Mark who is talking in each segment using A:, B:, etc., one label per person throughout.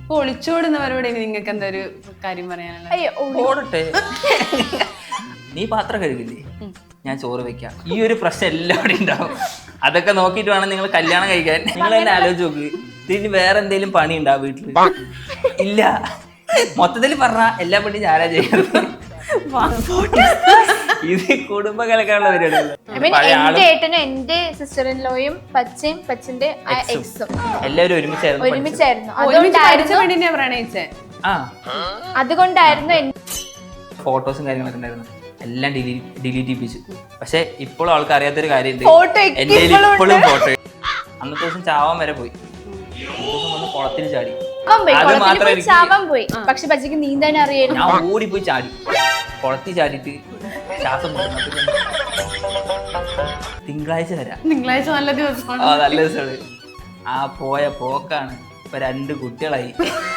A: ഇപ്പൊ ഒളിച്ചോടുന്നവരോട് ഇനി നിങ്ങൾക്ക് എന്താ ഒരു കാര്യം പറയാനുള്ള?
B: ഓടട്ടെ. നീ പാത്രം കഴുകില്ലേ, ഞാൻ ചോറ് വെക്കാം. ഈ ഒരു പ്രശ്നം എല്ലാവരും ഉണ്ടാവും. അതൊക്കെ നോക്കിയിട്ട് വേണം നിങ്ങൾ കല്യാണം കഴിക്കാൻ. നിങ്ങൾ തന്നെ ആലോചിച്ച് നോക്ക്, ഇതിന് വേറെ എന്തെങ്കിലും പണി ഉണ്ടാവും വീട്ടില്? ഇല്ല. മൊത്തത്തിൽ പറഞ്ഞ എല്ലാ പണിയും ഞാനാ ചെയ്യുന്നത്. ഇത് കുടുംബ കലക്കാനുള്ള
C: എന്റെ ഏട്ടനും എന്റെ സിസ്റ്ററിൻലോയും പച്ചയും പച്ചന്റെ എക്സും
B: എല്ലാവരും
C: ഒരുമിച്ചായിരുന്നു. അതുകൊണ്ടായിരുന്നു
B: ഫോട്ടോസും കാര്യങ്ങളൊക്കെ ഉണ്ടായിരുന്നു. എല്ലാം ഡിലീറ്റ് ചെയ്യിപ്പിച്ചു. പക്ഷെ ഇപ്പോഴും ആൾക്ക് അറിയാത്തൊരു കാര്യമുണ്ട്, എന്റെ ഇപ്പോഴും ഫോട്ടോ. അന്നത്തെ ദിവസം ചാവാൻ വരെ പോയി. വന്ന് കുളത്തിൽ ചാടി. അത് മാത്രമേ
C: ചാവാൻ പോയി, പക്ഷെ പച്ചക്ക് നീന്താൻ അറിയായിരുന്നു.
B: ഞാൻ ഓടിപ്പോയി ചാടി, കുളത്തിൽ ചാടിയിട്ട് ശ്വാസം തിങ്കളാഴ്ച വരാം.
A: തിങ്കളാഴ്ച നല്ല ദിവസമാണ്.
B: നല്ല ദിവസമാണ്. ആ പോയ പോക്കാണ്. ഇപ്പൊ 2 കുട്ടികളായി.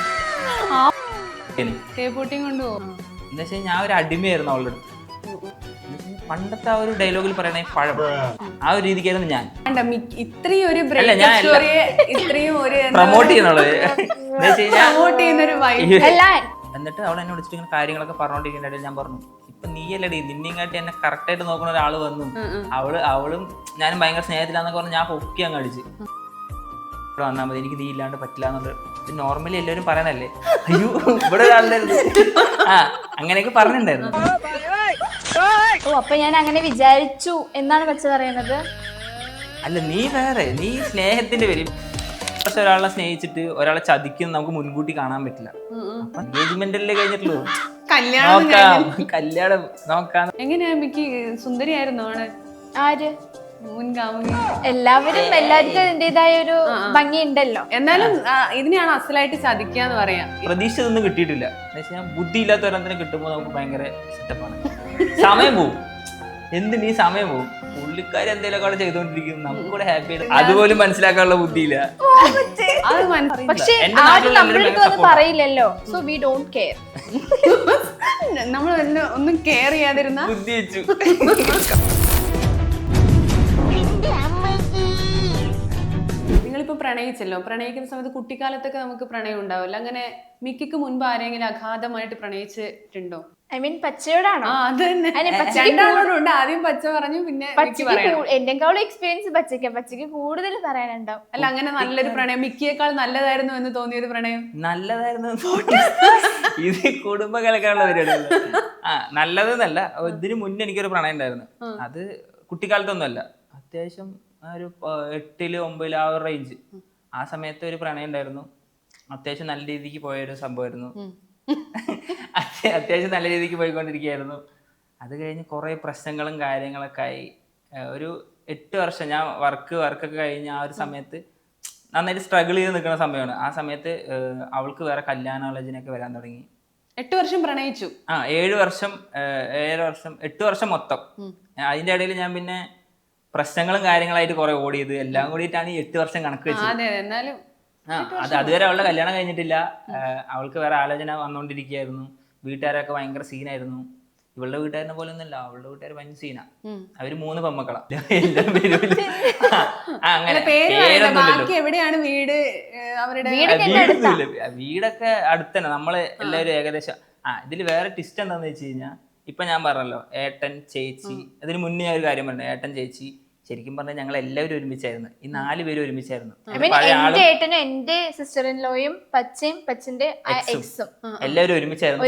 A: കൊണ്ടുപോകും.
B: എന്താ വെച്ചാൽ ഞാൻ ഒരു അടിമയായിരുന്നു അവളുടെ അടുത്ത്. പണ്ടത്തെ ആ ഒരു ഡയലോഗിൽ പറയണേ പഴം, ആ ഒരു രീതിക്കായിരുന്നു ഞാൻ.
A: ഇത്രയും ഒരു
B: പ്രൊമോട്ട് ചെയ്യുന്നുള്ളത്. എന്നിട്ട് അവൾ എന്നെ വിളിച്ചിട്ട് ഇങ്ങനെ കാര്യങ്ങളൊക്കെ പറഞ്ഞോണ്ടിരിക്കുന്നുണ്ടെങ്കിൽ ഞാൻ പറഞ്ഞു, ഇപ്പൊ നീയല്ലടി, നിന്നെയും കാട്ടി എന്നെ കറക്റ്റ് ആയിട്ട് നോക്കുന്ന ഒരാൾ വന്നു. അവളും ഞാനും ഭയങ്കര സ്നേഹത്തിലാന്നൊക്കെ പറഞ്ഞ് ഞാൻ പൊക്കി അങ്ങ് അടിച്ച്. ഇവിടെ വന്നാൽ മതി, എനിക്ക് നീ ഇല്ലാണ്ട് പറ്റില്ല എന്നുള്ളത്. ഇത് നോർമലി എല്ലാവരും പറയുന്നല്ലേ. അയ്യോ ഇവിടെ ഒരാളുണ്ടായിരുന്നു. അങ്ങനെയൊക്കെ പറഞ്ഞിട്ടുണ്ടായിരുന്നു.
C: അപ്പൊ ഞാൻ അങ്ങനെ വിചാരിച്ചു എന്നാണ് പച്ച പറയുന്നത്.
B: അല്ല, നീ വേറെ, നീ സ്നേഹത്തിന്റെ പേര്. പക്ഷെ ഒരാളെ സ്നേഹിച്ചിട്ട് ഒരാളെ ചതിക്കും നമുക്ക് മുൻകൂട്ടി കാണാൻ പറ്റില്ല. എൻഗേജ്മെന്റല്ലേ കഴിഞ്ഞിട്ടുള്ളൂ, കല്യാണം നോക്കാം.
A: എങ്ങനെയാ മിക്ക് സുന്ദരിയായിരുന്നു ആണ്?
C: ആര്? എല്ലാവർക്കും അതിൻ്റെതായ ഒരു ഭംഗി ഉണ്ടല്ലോ.
A: എന്നാലും ഇതിനെയാണ് അസലായിട്ട് ചതിക്കാന്ന് പറയാം.
B: പ്രതീക്ഷിച്ചതൊന്നും കിട്ടിയിട്ടില്ല. ബുദ്ധി ഇല്ലാത്ത ഒരെണ്ണത്തിന് കിട്ടുമ്പോൾ നമുക്ക് ഭയങ്കര സെറ്റപ്പാണ്. സമയം പോവും, എന്തിനീ സമയം പോവും. പുള്ളിക്കാരി എന്തെങ്കിലുമൊക്കെ അവിടെ ചെയ്തോണ്ടിരിക്കും, നമുക്ക് കൂടെ ഹാപ്പി ആയിട്ട് അതുപോലും മനസ്സിലാക്കാനുള്ള ബുദ്ധിയില്ല.
C: പക്ഷേ പറയില്ലല്ലോ, സോ വി ഡോണ്ട് കെയർ.
A: നമ്മൾ ഒന്നും കെയർ ചെയ്യാതിരുന്ന
B: ബുദ്ധി വെച്ചു.
A: നിങ്ങളിപ്പോ പ്രണയിച്ചല്ലോ, പ്രണയിക്കുന്ന സമയത്ത് കുട്ടിക്കാലത്തൊക്കെ നമുക്ക് പ്രണയം ഉണ്ടാവില്ല. അങ്ങനെ മിക്കിക്ക് മുൻപ് ആരെങ്കിലും അഗാധമായിട്ട് പ്രണയിച്ചിട്ടുണ്ടോ?
C: I mean പച്ചയോടാണോ?
A: അത് തന്നെ, രണ്ടാളോടുണ്ട്. ആദ്യം പച്ച പറഞ്ഞു, പിന്നെ
C: എന്റെക്കാളും എക്സ്പീരിയൻസ് പച്ചയ്ക്ക് കൂടുതൽ പറയാനുണ്ടാവും.
A: അല്ല, അങ്ങനെ നല്ലൊരു പ്രണയം, മിക്കിയേക്കാൾ നല്ലതായിരുന്നു എന്ന് തോന്നിയൊരു പ്രണയം?
B: നല്ലതായിരുന്നു. ഇത് കുടുംബ കലക്കാനുള്ള പരിപാടിയല്ല. നല്ലതെന്നല്ല, ഇതിന് മുന്നേ എനിക്കൊരു പ്രണയം ഉണ്ടായിരുന്നു. അത് കുട്ടിക്കാലത്തൊന്നുമല്ല, അത്യാവശ്യം ഒരു 8, 9 ആ ഒരു റേഞ്ച്. ആ സമയത്ത് ഒരു പ്രണയം ഉണ്ടായിരുന്നു. അത്യാവശ്യം നല്ല രീതിക്ക് പോയൊരു സംഭവമായിരുന്നു. അത്യാവശ്യം നല്ല രീതിക്ക് പോയിക്കൊണ്ടിരിക്കുകയായിരുന്നു. അത് കഴിഞ്ഞ് കുറേ പ്രശ്നങ്ങളും കാര്യങ്ങളൊക്കെ ആയി. ഒരു 8 വർഷം ഞാൻ വർക്കൊക്കെ കഴിഞ്ഞ് ആ ഒരു സമയത്ത് നന്നായിട്ട് സ്ട്രഗിൾ ചെയ്ത് നിൽക്കുന്ന സമയമാണ്. ആ സമയത്ത് അവൾക്ക് വേറെ കല്യാണാലോചനയൊക്കെ വരാൻ തുടങ്ങി.
A: 8 വർഷം പ്രണയിച്ചു?
B: 7 വർഷം 8 വർഷം മൊത്തം. അതിൻ്റെ ഇടയിൽ ഞാൻ പിന്നെ പ്രശ്നങ്ങളും കാര്യങ്ങളായിട്ട് കുറെ ഓടിയത് എല്ലാം കൂടിയിട്ടാണ് ഈ 8 വർഷം കണക്ക് വെച്ചത്. അതുവരെ അവളുടെ കല്യാണം കഴിഞ്ഞിട്ടില്ല. അവൾക്ക് വേറെ ആലോചന വന്നുകൊണ്ടിരിക്കുകയായിരുന്നു. വീട്ടുകാരൊക്കെ ഭയങ്കര സീനായിരുന്നു. ഇവളുടെ വീട്ടുകാരനെ പോലെ ഒന്നുമല്ല, അവളുടെ വീട്ടുകാർ ഭയങ്കര സീനാ. അവര് 3 പെമ്മക്കളാ. വീടൊക്കെ അടുത്തന്നെ. നമ്മള് എല്ലാവരും ഏകദേശം. ഇതിൽ വേറെ ട്വിസ്റ്റ് എന്താന്ന് വെച്ച് കഴിഞ്ഞാൽ, ഇപ്പൊ ഞാൻ പറഞ്ഞല്ലോ ഏട്ടൻ ചേച്ചി, അതിന് മുന്നേ ഞാൻ ഒരു കാര്യം പറഞ്ഞു. ഏട്ടൻ ചേച്ചി ശരിക്കും പറഞ്ഞാൽ ഞങ്ങൾ എല്ലാവരും ഒരുമിച്ചായിരുന്നു. ഈ 4 പേരും ഒരുമിച്ചായിരുന്നു.
C: എന്റെ ഏട്ടനും എന്റെ സിസ്റ്ററിൻലോയും പച്ചയും പച്ചന്റെ എക്സും
B: എല്ലാവരും ഒരുമിച്ചായിരുന്നു.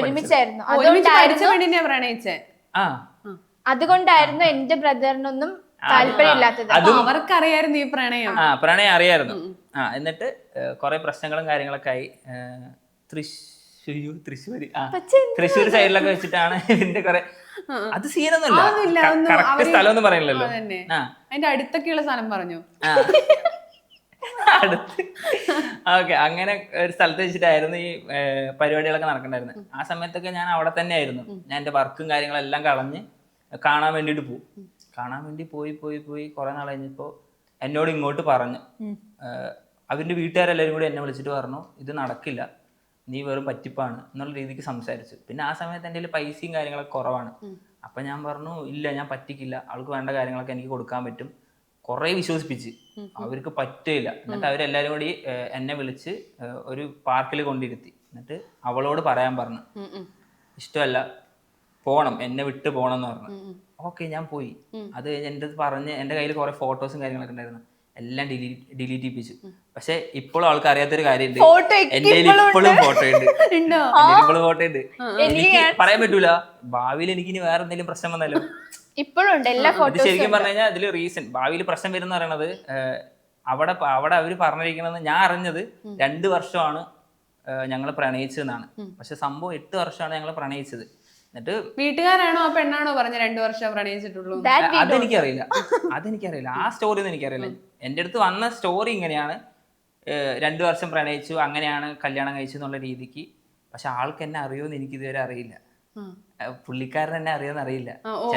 C: അതുകൊണ്ടായിരുന്നു എന്റെ ബ്രദറിനൊന്നും താല്പര്യമില്ലാത്തത്.
A: അവർക്കറിയായിരുന്നു ഈ പ്രണയം.
B: പ്രണയം അറിയായിരുന്നു. എന്നിട്ട് കുറെ പ്രശ്നങ്ങളും കാര്യങ്ങളൊക്കെ ആയി. തൃശ്ശൂർ സൈഡിലൊക്കെ വെച്ചിട്ടാണ് ഇതിന്റെ കുറെ. അത് സീനൊന്നുമില്ല, കറക്റ്റ് സ്ഥലമൊന്നും പറയില്ലല്ലോ.
A: അതിന്റെ അടുത്തൊക്കെയുള്ള സ്ഥലം പറഞ്ഞു.
B: ഓക്കെ, അങ്ങനെ ഒരു സ്ഥലത്ത് വെച്ചിട്ടായിരുന്നു ഈ പരിപാടികളൊക്കെ നടക്കണ്ടായിരുന്നത്. ആ സമയത്തൊക്കെ ഞാൻ അവിടെ തന്നെ ആയിരുന്നു. ഞാൻ എന്റെ വർക്കും കാര്യങ്ങളെല്ലാം കളഞ്ഞ് കാണാൻ വേണ്ടിയിട്ട് പോകും. കാണാൻ വേണ്ടി പോയി കുറെ നാൾ കഴിഞ്ഞപ്പോ എന്നോട് ഇങ്ങോട്ട് പറഞ്ഞു. അവരുടെ വീട്ടുകാരെല്ലാവരും കൂടി എന്നെ വിളിച്ചിട്ട് പറഞ്ഞു, ഇത് നടക്കില്ല, നീ വെറും പറ്റിപ്പാണ് എന്നുള്ള രീതിക്ക് സംസാരിച്ചു. പിന്നെ ആ സമയത്ത് എൻ്റെ പൈസയും കാര്യങ്ങളൊക്കെ കുറവാണ്. അപ്പം ഞാൻ പറഞ്ഞു, ഇല്ല ഞാൻ പറ്റിക്കില്ല, അവൾക്ക് വേണ്ട കാര്യങ്ങളൊക്കെ എനിക്ക് കൊടുക്കാൻ പറ്റും, കുറെ വിശ്വസിപ്പിച്ച് അവർക്ക് പറ്റില്ല. എന്നിട്ട് അവരെല്ലാരും കൂടി എന്നെ വിളിച്ച് ഒരു പാർക്കിൽ കൊണ്ടിരുത്തി. എന്നിട്ട് അവളോട് പറയാൻ പറഞ്ഞു, ഇഷ്ടമല്ല, പോണം, എന്നെ വിട്ട് പോണം എന്ന് പറഞ്ഞു. ഓക്കെ, ഞാൻ പോയി. അത് കഴിഞ്ഞ് എൻ്റെ അടുത്ത് പറഞ്ഞ് എൻ്റെ കയ്യിൽ കുറെ ഫോട്ടോസും കാര്യങ്ങളൊക്കെ ഉണ്ടായിരുന്നു, എല്ലാം ഡിലീറ്റ് ചെയ്യിപ്പിച്ചു. പക്ഷെ ഇപ്പോഴും ആൾക്ക് അറിയാത്തൊരു കാര്യമുണ്ട്, എന്റെ ഇപ്പോഴും ഫോട്ടോ ഉണ്ട്, ഇപ്പോഴും ഫോട്ടോ ഉണ്ട്. എനിക്ക് പറയാൻ പറ്റൂല, ഭാവിയിൽ എനിക്ക് ഇനി വേറെ എന്തെങ്കിലും പ്രശ്നം വന്നാലോ.
C: ഇപ്പോഴും ഉണ്ട് എല്ലാ
B: ഇത് ശരിക്കും പറഞ്ഞു കഴിഞ്ഞാൽ അതിൽ റീസൺ ഭാവിയിൽ പ്രശ്നം വരുന്ന പറയണത്, അവിടെ അവര് പറഞ്ഞിരിക്കണത് ഞാൻ അറിഞ്ഞത് 2 വർഷമാണ് ഞങ്ങൾ പ്രണയിച്ചതെന്നാണ്. പക്ഷെ സംഭവം 8 വർഷമാണ് ഞങ്ങൾ പ്രണയിച്ചത്. എന്നിട്ട്
A: വീട്ടുകാരാണോ ആ പെണ്ണാണോ പറഞ്ഞ 2 വർഷം പ്രണയിച്ചിട്ടുള്ളൂ?
B: അതെനിക്കറിയില്ല, ആ സ്റ്റോറി ഒന്നും എനിക്കറിയില്ല. എൻ്റെ അടുത്ത് വന്ന സ്റ്റോറി ഇങ്ങനെയാണ്, 2 വർഷം പ്രണയിച്ചു, അങ്ങനെയാണ് കല്യാണം കഴിച്ചു എന്നുള്ള രീതിക്ക്. പക്ഷെ ആൾക്ക് എന്നെ അറിയുമെന്ന് എനിക്ക് ഇതുവരെ അറിയില്ല, പുള്ളിക്കാരൻ എന്നെ അറിയാന്ന് അറിയില്ല.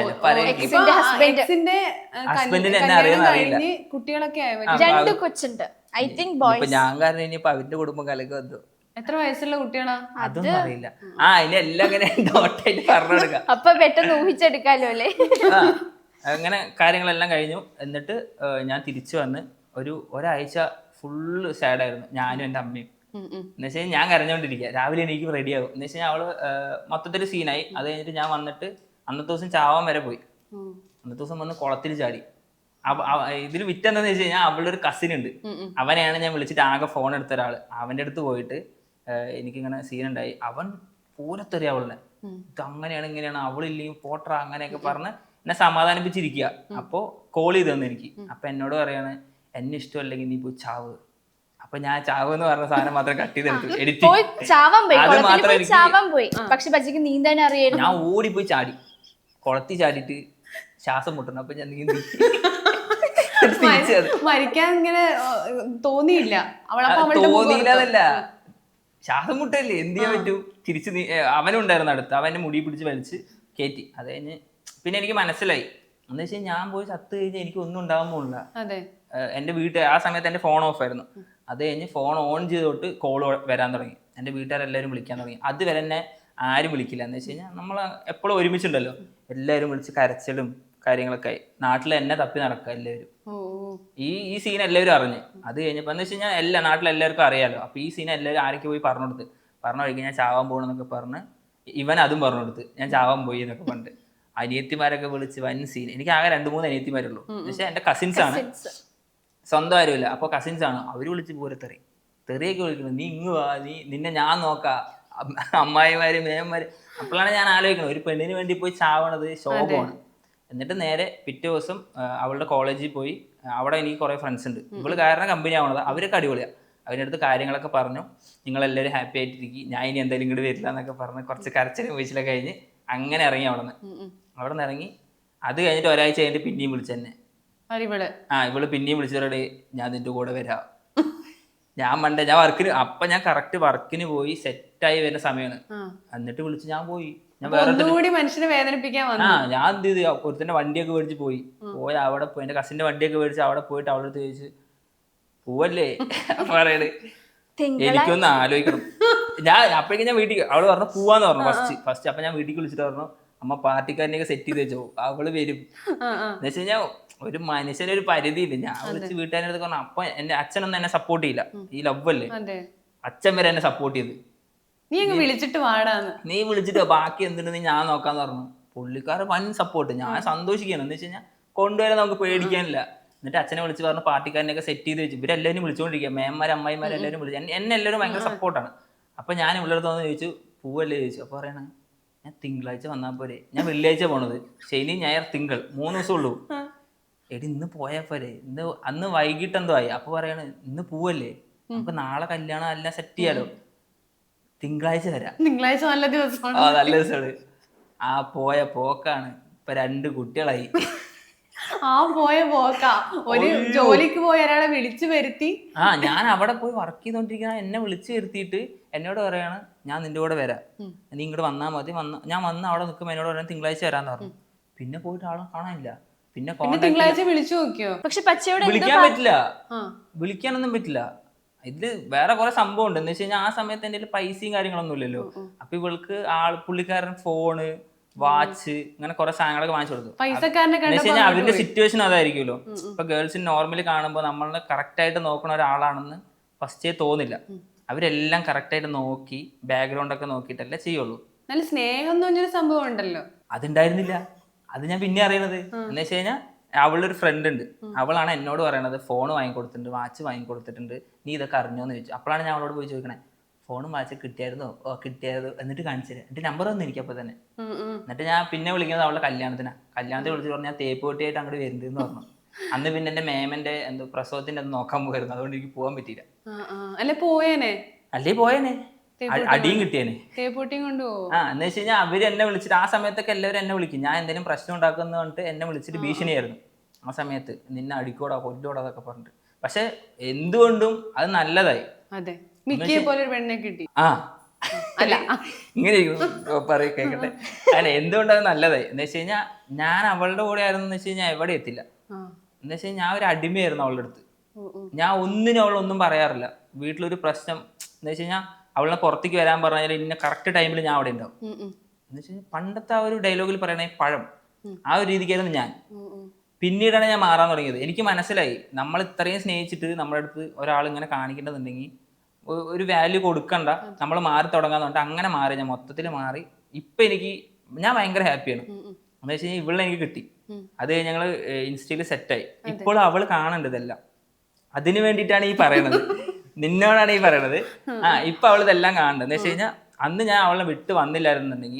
B: ഹസ്ബൻഡിന് എന്നെ അറിയാന്ന് അറിയില്ല.
A: കുട്ടികളൊക്കെ
C: 2 കൊച്ചുണ്ട്. I think boys.
B: ഞാൻ കാരണം ഇനിയിപ്പോ അവന്റെ കുടുംബം കലക്ക് വന്നു.
A: എത്ര വയസ്സുള്ള കുട്ടികളാ
B: അതൊന്നും അറിയില്ല. ഇനി എല്ലാം അങ്ങനെ ഡോട്ടായിട്ട് പറഞ്ഞു കൊടുക്കാം.
C: അപ്പൊ പെട്ടെന്ന് ഊഹിച്ചെടുക്കാലോ അല്ലേ.
B: അങ്ങനെ കാര്യങ്ങളെല്ലാം കഴിഞ്ഞു. എന്നിട്ട് ഞാൻ തിരിച്ചു വന്ന് ഒരാഴ്ച ഫുള്ള് സാഡായിരുന്നു, ഞാനും എൻ്റെ അമ്മയും. എന്ന് വെച്ച് കഴിഞ്ഞാൽ ഞാൻ കരഞ്ഞോണ്ടിരിക്കുക, രാവിലെ എനിക്ക് റെഡിയാകും. എന്ന് വെച്ച് കഴിഞ്ഞാൽ അവള് മൊത്തത്തിൽ സീനായി. അത് കഴിഞ്ഞിട്ട് ഞാൻ വന്നിട്ട് അന്നത്തെ ദിവസം ചാവാൻ വരെ പോയി. അന്നത്തെ ദിവസം വന്ന് കുളത്തിൽ ചാടി. ഇതിൽ വിറ്റെന്താന്ന് വെച്ച് കഴിഞ്ഞാൽ അവളുടെ ഒരു കസിൻ ഉണ്ട്, അവനെയാണ് ഞാൻ വിളിച്ചിട്ട് ആകെ ഫോൺ എടുത്ത ഒരാള്. അവൻ്റെ അടുത്ത് പോയിട്ട് എനിക്കിങ്ങനെ സീനുണ്ടായി, അവൻ പൂരത്തെറിയ അവളിനെ, ഇത് അങ്ങനെയാണ് ഇങ്ങനെയാണ്, അവളില്ലെങ്കിൽ പോട്ടറ അങ്ങനെയൊക്കെ പറഞ്ഞ് എന്നെ സമാധാനിപ്പിച്ചിരിക്കുക. അപ്പോൾ കോൾ ചെയ്ത് തന്നു എനിക്ക്. അപ്പൊ എന്നോട് പറയാണ്, എന്നെ ഇഷ്ടമല്ലെങ്കിൽ നീ പോയി ചാവ്. അപ്പൊ ഞാൻ ചാവ് എന്ന് പറഞ്ഞ സാധനം മാത്രം കട്ട് ചെയ്തെടുത്തു, എഡിറ്റ്. അത് മാത്രം
C: പക്ഷെ നീന്താൻ അറിയാം.
B: ഞാൻ ഓടിപ്പോയി ചാടി, കുളത്തിൽ ചാടിയിട്ട് ശ്വാസം മുട്ടണം. അപ്പൊ ഞാൻ നീന്തി.
A: മരിക്കാൻ ഇങ്ങനെ തോന്നിയില്ല,
B: തോന്നിയില്ലതല്ല, ശ്വാസം മുട്ടല്ലേ, എന്ത് ചെയ്യാൻ പറ്റൂ. തിരിച്ച് അവനും ഉണ്ടായിരുന്നു അടുത്ത്, അവൻ്റെ മുടി പിടിച്ച് വലിച്ച് കയറ്റി. അത് കഴിഞ്ഞ് പിന്നെ എനിക്ക് മനസ്സിലായി, എന്ന് വെച്ചാൽ ഞാൻ പോയി ചത്ത് കഴിഞ്ഞാൽ എനിക്ക് ഒന്നും ഉണ്ടാകാൻ പോകില്ല. എൻ്റെ ആ സമയത്ത് എൻ്റെ ഫോൺ ഓഫ് ആയിരുന്നു. അത് കഴിഞ്ഞ് ഫോൺ ഓൺ ചെയ്തോട്ട് കോൾ വരാൻ തുടങ്ങി, എൻ്റെ വീട്ടുകാരെല്ലാവരും വിളിക്കാൻ തുടങ്ങി. അതുവരെ എന്നെ ആരും വിളിക്കില്ല. എന്ന് വെച്ച് കഴിഞ്ഞാൽ നമ്മൾ എപ്പോഴും ഒരുമിച്ചുണ്ടല്ലോ, എല്ലാവരും വിളിച്ച് കരച്ചിലും കാര്യങ്ങളൊക്കെ ആയി. നാട്ടിൽ എന്നെ തപ്പി നടക്കുക എല്ലാവരും. ഈ സീൻ എല്ലാവരും അറിഞ്ഞ്. അത് കഴിഞ്ഞപ്പോൾ എന്ന് വെച്ച് കഴിഞ്ഞാൽ നാട്ടിലെല്ലാവർക്കും അറിയാലോ. അപ്പോൾ ഈ സീൻ എല്ലാവരും ആരൊക്കെ പോയി പറഞ്ഞു കൊടുത്ത്, പറഞ്ഞു കഴിക്കും ഞാൻ ചാവാൻ പോകണമെന്നൊക്കെ പറഞ്ഞ് ഇവൻ അതും പറഞ്ഞു കൊടുത്ത്, ഞാൻ ചാവാൻ പോയി എന്നൊക്കെ പറഞ്ഞിട്ട്. അനിയത്തിമാരൊക്കെ വിളിച്ച് വൻ സീൻ. എനിക്ക് ആകെ 2-3 അനിയത്തിമാരുള്ളൂ. പക്ഷെ എൻ്റെ കസിൻസ് ആണ്, സ്വന്തം ആരുമില്ല. അപ്പോൾ കസിൻസ് ആണ്, അവർ വിളിച്ച് പൂരത്തെറി, തെറിയൊക്കെ വിളിക്കണം, നീ ഇങ്ങ് വാ, നിന്നെ ഞാൻ നോക്കാം, അമ്മായിമാര് മേന്മാര്. അപ്പോഴാണ് ഞാൻ ആലോചിക്കണം, ഒരു പെണ്ണിന് വേണ്ടി പോയി ചാവണത് ശോഭമാണ്. എന്നിട്ട് നേരെ പിറ്റേ ദിവസം അവളുടെ കോളേജിൽ പോയി. അവിടെ എനിക്ക് കുറേ ഫ്രണ്ട്സ് ഉണ്ട്, ഇവള് കാരണം കമ്പനി ആവണത്. അവരൊക്കെ അടിപൊളിയാണ്. അവരുടെ അടുത്ത് കാര്യങ്ങളൊക്കെ പറഞ്ഞു, നിങ്ങളെല്ലാവരും ഹാപ്പി ആയിട്ടിരിക്കും, ഞാൻ ഇനി എന്തായാലും ഇങ്ങോട്ട് വരില്ല എന്നൊക്കെ പറഞ്ഞ് കുറച്ച് കരച്ചിലും വീഴ്ചയിലൊക്കെ കഴിഞ്ഞ് അങ്ങനെ ഇറങ്ങി അവിടെ നിന്ന് ഇറങ്ങി. അത് കഴിഞ്ഞിട്ട് ഒരാഴ്ച കഴിഞ്ഞിട്ട് പിന്നെയും വിളിച്ചെന്നെ. ഇവള് പിന്നെയും വിളിച്ചവരോട്, ഞാൻ നിന്റെ കൂടെ വരാം. ഞാൻ വർക്കിന്, അപ്പൊ ഞാൻ കറക്റ്റ് വർക്കിന് പോയി സെറ്റായി വരുന്ന സമയമാണ്. എന്നിട്ട് വിളിച്ച് ഞാൻ പോയി. ഞാൻ
A: മനുഷ്യനെ വേദനിപ്പിക്കാൻ
B: ഞാൻ എന്ത് ചെയ്തു, ഒരുത്തന്റെ വണ്ടിയൊക്കെ മേടിച്ച് പോയി അവിടെ പോയി, എന്റെ കസിന്റെ വണ്ടിയൊക്കെ മേടിച്ച് അവിടെ പോയിട്ട് അവളുടെ അടുത്ത് ചോദിച്ചു, പോവല്ലേ പറയണേ, എനിക്കൊന്ന് ആലോചിക്കണം. അപ്പോഴേക്കും ഞാൻ വീട്ടിൽ, അവള് പറഞ്ഞു പോവാന്ന് പറഞ്ഞു ഫസ്റ്റ്. അപ്പൊ ഞാൻ വീട്ടിൽ വിളിച്ചിട്ട് പറഞ്ഞു, അമ്മ പാർട്ടിക്കാരനെയൊക്കെ സെറ്റ് ചെയ്ത് വെച്ചോ, അവള് വരും. എന്ന് വെച്ച് കഴിഞ്ഞാൽ ഒരു മനുഷ്യനൊരു പരിധി ഇല്ല. ഞാൻ വിളിച്ച് വീട്ടുകാരുടെ അടുത്ത് പറഞ്ഞു. അപ്പൊ എന്റെ അച്ഛനൊന്നും എന്നെ സപ്പോർട്ട് ചെയ്യില്ല, ഈ ലവ് അല്ലേ, അച്ഛൻ വരെ എന്നെ സപ്പോർട്ട് ചെയ്ത്,
A: നീ
B: വിളിച്ചിട്ട് ബാക്കി എന്തിനു ഞാൻ നോക്കാന്ന് പറഞ്ഞു. പുള്ളിക്കാരൻ വൻ സപ്പോർട്ട്, ഞാൻ സന്തോഷിക്കണം. എന്ന് വെച്ച് കഴിഞ്ഞാൽ കൊണ്ടുവരാൻ നമുക്ക് പേടിക്കാനില്ല. എന്നിട്ട് അച്ഛനെ വിളിച്ച് പറഞ്ഞു പാർട്ടിക്കാരനെയൊക്കെ സെറ്റ് ചെയ്ത് വെച്ചു. ഇവരെല്ലാവരും വിളിച്ചുകൊണ്ടിരിക്കുക, മേന്മാർ അമ്മായിമാർ എല്ലാവരും വിളിച്ചു. എന്നെ എല്ലാവരും ഭയങ്കര സപ്പോർട്ടാണ്. അപ്പൊ ഞാൻ ഇവളടുത്തോന്ന് ചോദിച്ചു, പൂവല്ലേ ചോദിച്ചു. അപ്പൊ പറയണ, ഞാൻ തിങ്കളാഴ്ച വന്നാൽ പോരെ, ഞാൻ വെള്ളിയാഴ്ച പോണത്, ശനി ഞായർ തിങ്കൾ 3 ദിവസം ഉള്ളൂ. എടി ഇന്ന് പോയാ പോരെ, അന്ന് വൈകിട്ട് എന്തോ ആയി. അപ്പൊ പറയണ, ഇന്ന് പൂവല്ലേ, നമുക്ക് നാളെ കല്യാണം എല്ലാം സെറ്റ് ചെയ്യാലോ, തിങ്കളാഴ്ച വരാം.
A: തിങ്കളാഴ്ച നല്ല ദിവസമാണ്.
B: നല്ല ദിവസമാണ്. ആ പോയ പോക്കാണ്, ഇപ്പൊ 2 കുട്ടികളായി.
A: പോയ പോക്കാ, ഒരു ജോലിക്ക് പോയ ഒരാളെ വിളിച്ചു വരുത്തി.
B: ഞാൻ അവിടെ പോയി വർക്ക് ചെയ്തോണ്ടിരിക്കുന്ന എന്നെ വിളിച്ചു വരുത്തിയിട്ട് എന്നോട് പറയാണ്, ഞാൻ നിന്റെ കൂടെ വരാം, നീ ഇങ്ങോട്ട് വന്നാൽ മതി. ഞാൻ വന്ന് അവിടെ നിൽക്കുമ്പോൾ എന്നോട് പറയാൻ തിങ്കളാഴ്ച വരാന്ന് പറഞ്ഞു. പിന്നെ പോയിട്ട് ആളെ കാണാനില്ല. പിന്നെ
A: തിങ്കളാഴ്ച വിളിച്ചു നോക്കിയോ?
C: പക്ഷെ പച്ചയോട്
B: വിളിക്കാൻ പറ്റില്ല, വിളിക്കാനൊന്നും പറ്റില്ല. ഇതില് വേറെ കുറെ സംഭവം ഉണ്ട്. എന്ന് വെച്ച് കഴിഞ്ഞാൽ ആ സമയത്ത് എൻ്റെ പൈസയും കാര്യങ്ങളൊന്നും ഇല്ലല്ലോ. അപ്പൊ ഇവൾക്ക് പുള്ളിക്കാരൻ ഫോണ് വാച്ച്, ഇങ്ങനെ കുറെ സാധനങ്ങളൊക്കെ വാങ്ങിച്ചു കൊടുത്തു.
A: പൈസക്കാരനെ
B: എന്ന് വെച്ച് കഴിഞ്ഞാൽ അവരുടെ സിറ്റുവേഷൻ അതായിരിക്കുമല്ലോ. ഇപ്പൊ ഗേൾസിന് നോർമലി കാണുമ്പോൾ നമ്മളെ കറക്റ്റ് ആയിട്ട് നോക്കുന്ന ഒരാളാണെന്ന് ഫസ്റ്റേ തോന്നില്ല. അവരെല്ലാം കറക്റ്റ് ആയിട്ട് നോക്കി ബാക്ക്ഗ്രൗണ്ട് ഒക്കെ നോക്കിയിട്ടല്ലേ ചെയ്യുള്ളൂ.
A: നല്ല സ്നേഹം എന്ന് പറഞ്ഞൊരു സംഭവം ഉണ്ടല്ലോ,
B: അതുണ്ടായിരുന്നില്ല. അത് ഞാൻ പിന്നെ അറിയണത് എന്ന് വെച്ച് കഴിഞ്ഞാൽ അവളുടെ ഒരു ഫ്രണ്ട് ഉണ്ട്, അവളാണ് എന്നോട് പറയണത് ഫോൺ വാങ്ങിക്കൊടുത്തിട്ടുണ്ട്, വാച്ച് വാങ്ങിക്കൊടുത്തിട്ടുണ്ട്, നീ ഇതൊക്കെ അറിഞ്ഞോന്ന് ചോദിച്ചു. അപ്പോഴാണ് ഞാൻ അവളോട് പോയി ചോദിക്കണേ, ഫോണും വാച്ച് കിട്ടിയായിരുന്നോ? ഓ കിട്ടിയായിരുന്നു. എന്നിട്ട് കാണിച്ചു തരാം. എന്നിട്ട് നമ്പർ വന്നു എനിക്കപ്പോൾ തന്നെ. എന്നിട്ട് ഞാൻ പിന്നെ വിളിക്കുന്നത് അവളുടെ കല്യാണത്തിന് വിളിച്ചു പറഞ്ഞാൽ തേപ്പ് പൊട്ടിയായിട്ട് അങ്ങോട്ട് വരുന്നുണ്ടെന്ന് പറഞ്ഞു. അന്ന് പിന്നെ എന്റെ മേമന്റെ എന്തോ പ്രസവത്തിന്റെ അത് നോക്കാൻ പോയിരുന്നു, അതുകൊണ്ട് എനിക്ക് പോകാൻ പറ്റിയില്ല.
A: അല്ലെ പോയേനെ,
B: അല്ലേ പോയേനെ, അടിയും കിട്ടിയേനെ.
A: തേപ്പൂട്ടിയും കൊണ്ടുപോകും.
B: എന്ന് വെച്ച് കഴിഞ്ഞാൽ അവര് എന്നെ വിളിച്ചിട്ട് ആ സമയത്തൊക്കെ എല്ലാവരും എന്നെ വിളിക്കും, ഞാൻ എന്തെങ്കിലും പ്രശ്നം ഉണ്ടാക്കുന്ന പറഞ്ഞിട്ട് എന്നെ വിളിച്ചിട്ട് ഭീഷണിയായിരുന്നു ആ സമയത്ത്, നിന്നെ അടിക്കോടാ കൊല്ലോടാ അതൊക്കെ പറഞ്ഞിട്ട്. പക്ഷെ എന്തുകൊണ്ടും അത് നല്ലതായി.
A: അതെ, മിക്കിയെ പോലെ ഒരു പെണ്ണെ കിട്ടി.
B: അല്ല ഇങ്ങനെ പറയും കേക്കട്ടെ. അല്ല എന്തുകൊണ്ടും അത് നല്ലതായി എന്ന് വെച്ച് കഴിഞ്ഞാൽ ഞാൻ അവളുടെ കൂടെ ആയിരുന്നു വെച്ച് കഴിഞ്ഞാൽ എവിടെ എത്തില്ല. എന്ന് വെച്ച് കഴിഞ്ഞാൽ ഞാൻ ഒരു അടിമയായിരുന്നു അവളുടെ അടുത്ത്. ഞാൻ ഒന്നിനും അവളൊന്നും പറയാറില്ല. വീട്ടിലൊരു പ്രശ്നം എന്ന് വെച്ച് കഴിഞ്ഞാൽ അവളെ പുറത്തേക്ക് വരാൻ പറഞ്ഞാൽ ഇന്ന കറക്റ്റ് ടൈമിൽ ഞാൻ അവിടെ ഉണ്ടാവും. എന്ന് വെച്ച് കഴിഞ്ഞാൽ പണ്ടത്തെ ആ ഒരു ഡയലോഗിൽ പറയണേ പഴം, ആ ഒരു രീതിക്കായിരുന്നു ഞാൻ. പിന്നീടാണ് ഞാൻ മാറാൻ തുടങ്ങിയത്. എനിക്ക് മനസ്സിലായി നമ്മൾ ഇത്രയും സ്നേഹിച്ചിട്ട് നമ്മുടെ അടുത്ത് ഒരാൾ ഇങ്ങനെ കാണിക്കേണ്ടതുണ്ടെങ്കിൽ ഒരു വാല്യൂ കൊടുക്കണ്ട, നമ്മൾ മാറി തുടങ്ങാന്ന് പറഞ്ഞിട്ട് അങ്ങനെ മാറി. ഞാൻ മൊത്തത്തിൽ മാറി. ഇപ്പൊ ഞാൻ ഭയങ്കര ഹാപ്പിയാണ്. എന്ന് വെച്ച് കഴിഞ്ഞാൽ ഇവളെ എനിക്ക് കിട്ടി. അത് ഞങ്ങൾ ഇൻസ്റ്റയിൽ സെറ്റായി. ഇപ്പോൾ അവള് കാണേണ്ടത് ഇതെല്ലാം. അതിനു വേണ്ടിയിട്ടാണ് ഈ പറയണത്, നിന്നോടാണ് ഈ പറയണത്. ഇപ്പൊ അവൾ ഇതെല്ലാം കാണേണ്ടത്. എന്ന് വെച്ച് കഴിഞ്ഞാൽ അന്ന് ഞാൻ അവളെ വിട്ട് വന്നില്ലായിരുന്നുണ്ടെങ്കിൽ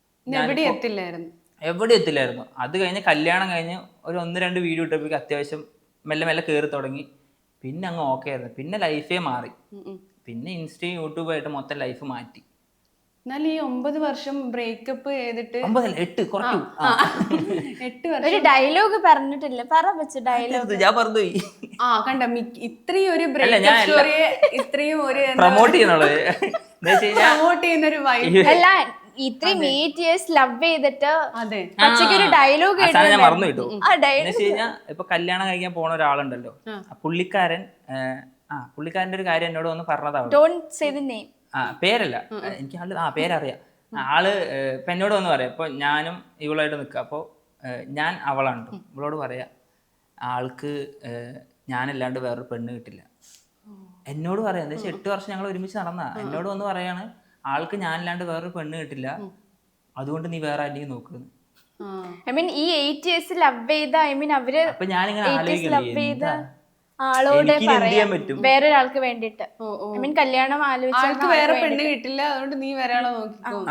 B: എവിടെ എത്തില്ലായിരുന്നു. അത് കഴിഞ്ഞ് കല്യാണം കഴിഞ്ഞ് ഒരു 1-2 വീഡിയോ ഇട്ടപ്പോഴേക്കും അത്യാവശ്യം മെല്ലെ മെല്ലെ കയറി തുടങ്ങി. പിന്നെ അങ്ങ് ഓക്കെ ആയിരുന്നു. പിന്നെ ലൈഫേ മാറി. പിന്നെ ഇൻസ്റ്റയും യൂട്യൂബായിട്ട് മൊത്തം ലൈഫ് മാറ്റി.
A: എന്നാൽ ഈ 9 വർഷം ബ്രേക്കപ്പ് ചെയ്തിട്ട്
B: 8 കുറച്ചു
A: 8 വർഷം
C: ഒരു ഡയലോഗ് പറഞ്ഞിട്ടില്ല, ഡയലോഗ്
B: ഞാൻ പറഞ്ഞുപോയി.
A: കണ്ട ഇത്രയും ഒരു ബ്രേക്കപ്പ് സ്റ്റോറിയെ ഇത്രയും ഒരു
B: പ്രൊമോട്ട് ചെയ്യണുള്ളത്
A: പ്രൊമോട്ട് ചെയ്യുന്ന ഒരു വൈബ്
C: അല്ല. ഇത്രയും 8 years ലവ് ചെയ്തിട്ട് പച്ചയ്ക്ക് ഒരു ഡയലോഗ്
B: ഞാൻ മറന്നു കിട്ടു. എന്ന് വെച്ച് കഴിഞ്ഞാൽ ഇപ്പൊ കല്യാണം കഴിക്കാൻ പോണ ഒരാളുണ്ടല്ലോ, പുള്ളിക്കാരന്റെ ഒരു കാര്യം എന്നോട് വന്ന് പറഞ്ഞതാണ്. പേരല്ല എനിക്ക് പേരറിയാം. ആള് ഇപ്പൊ എന്നോട് വന്ന് പറയാം, ഇപ്പൊ ഞാനും ഇവളായിട്ട് നിൽക്കുക. അപ്പോൾ ഞാൻ അവളാണ് കേട്ടോ, ഇവളോട് പറയാ ആൾക്ക് ഞാനല്ലാണ്ട് വേറൊരു പെണ്ണ് കിട്ടില്ല. എന്നോട് പറയാം. എന്താ വെച്ചാൽ 8 വർഷം ഞങ്ങൾ ഒരുമിച്ച് നടന്ന എന്നോട് വന്ന് പറയാണ്, ആൾക്ക് ഞാനല്ലാണ്ട് വേറൊരു പെണ്ണ് കിട്ടില്ല, അതുകൊണ്ട് നീ വേറെ ആരെയും നോക്കുന്നു.
C: ഈ 8 years ലവ് ചെയ്ത അവര്
B: അപ്പൊ ഞാനിങ്ങനെ ആലോചിക്കുന്നത്
C: ആളോട് വേറൊരാൾക്ക് വേണ്ടിട്ട് കല്യാണം
A: ആൾക്ക് വേറെ പെണ്ണ് കിട്ടില്ല, അതുകൊണ്ട് നീ വേറെ ആളെ നോക്കിക്കോ.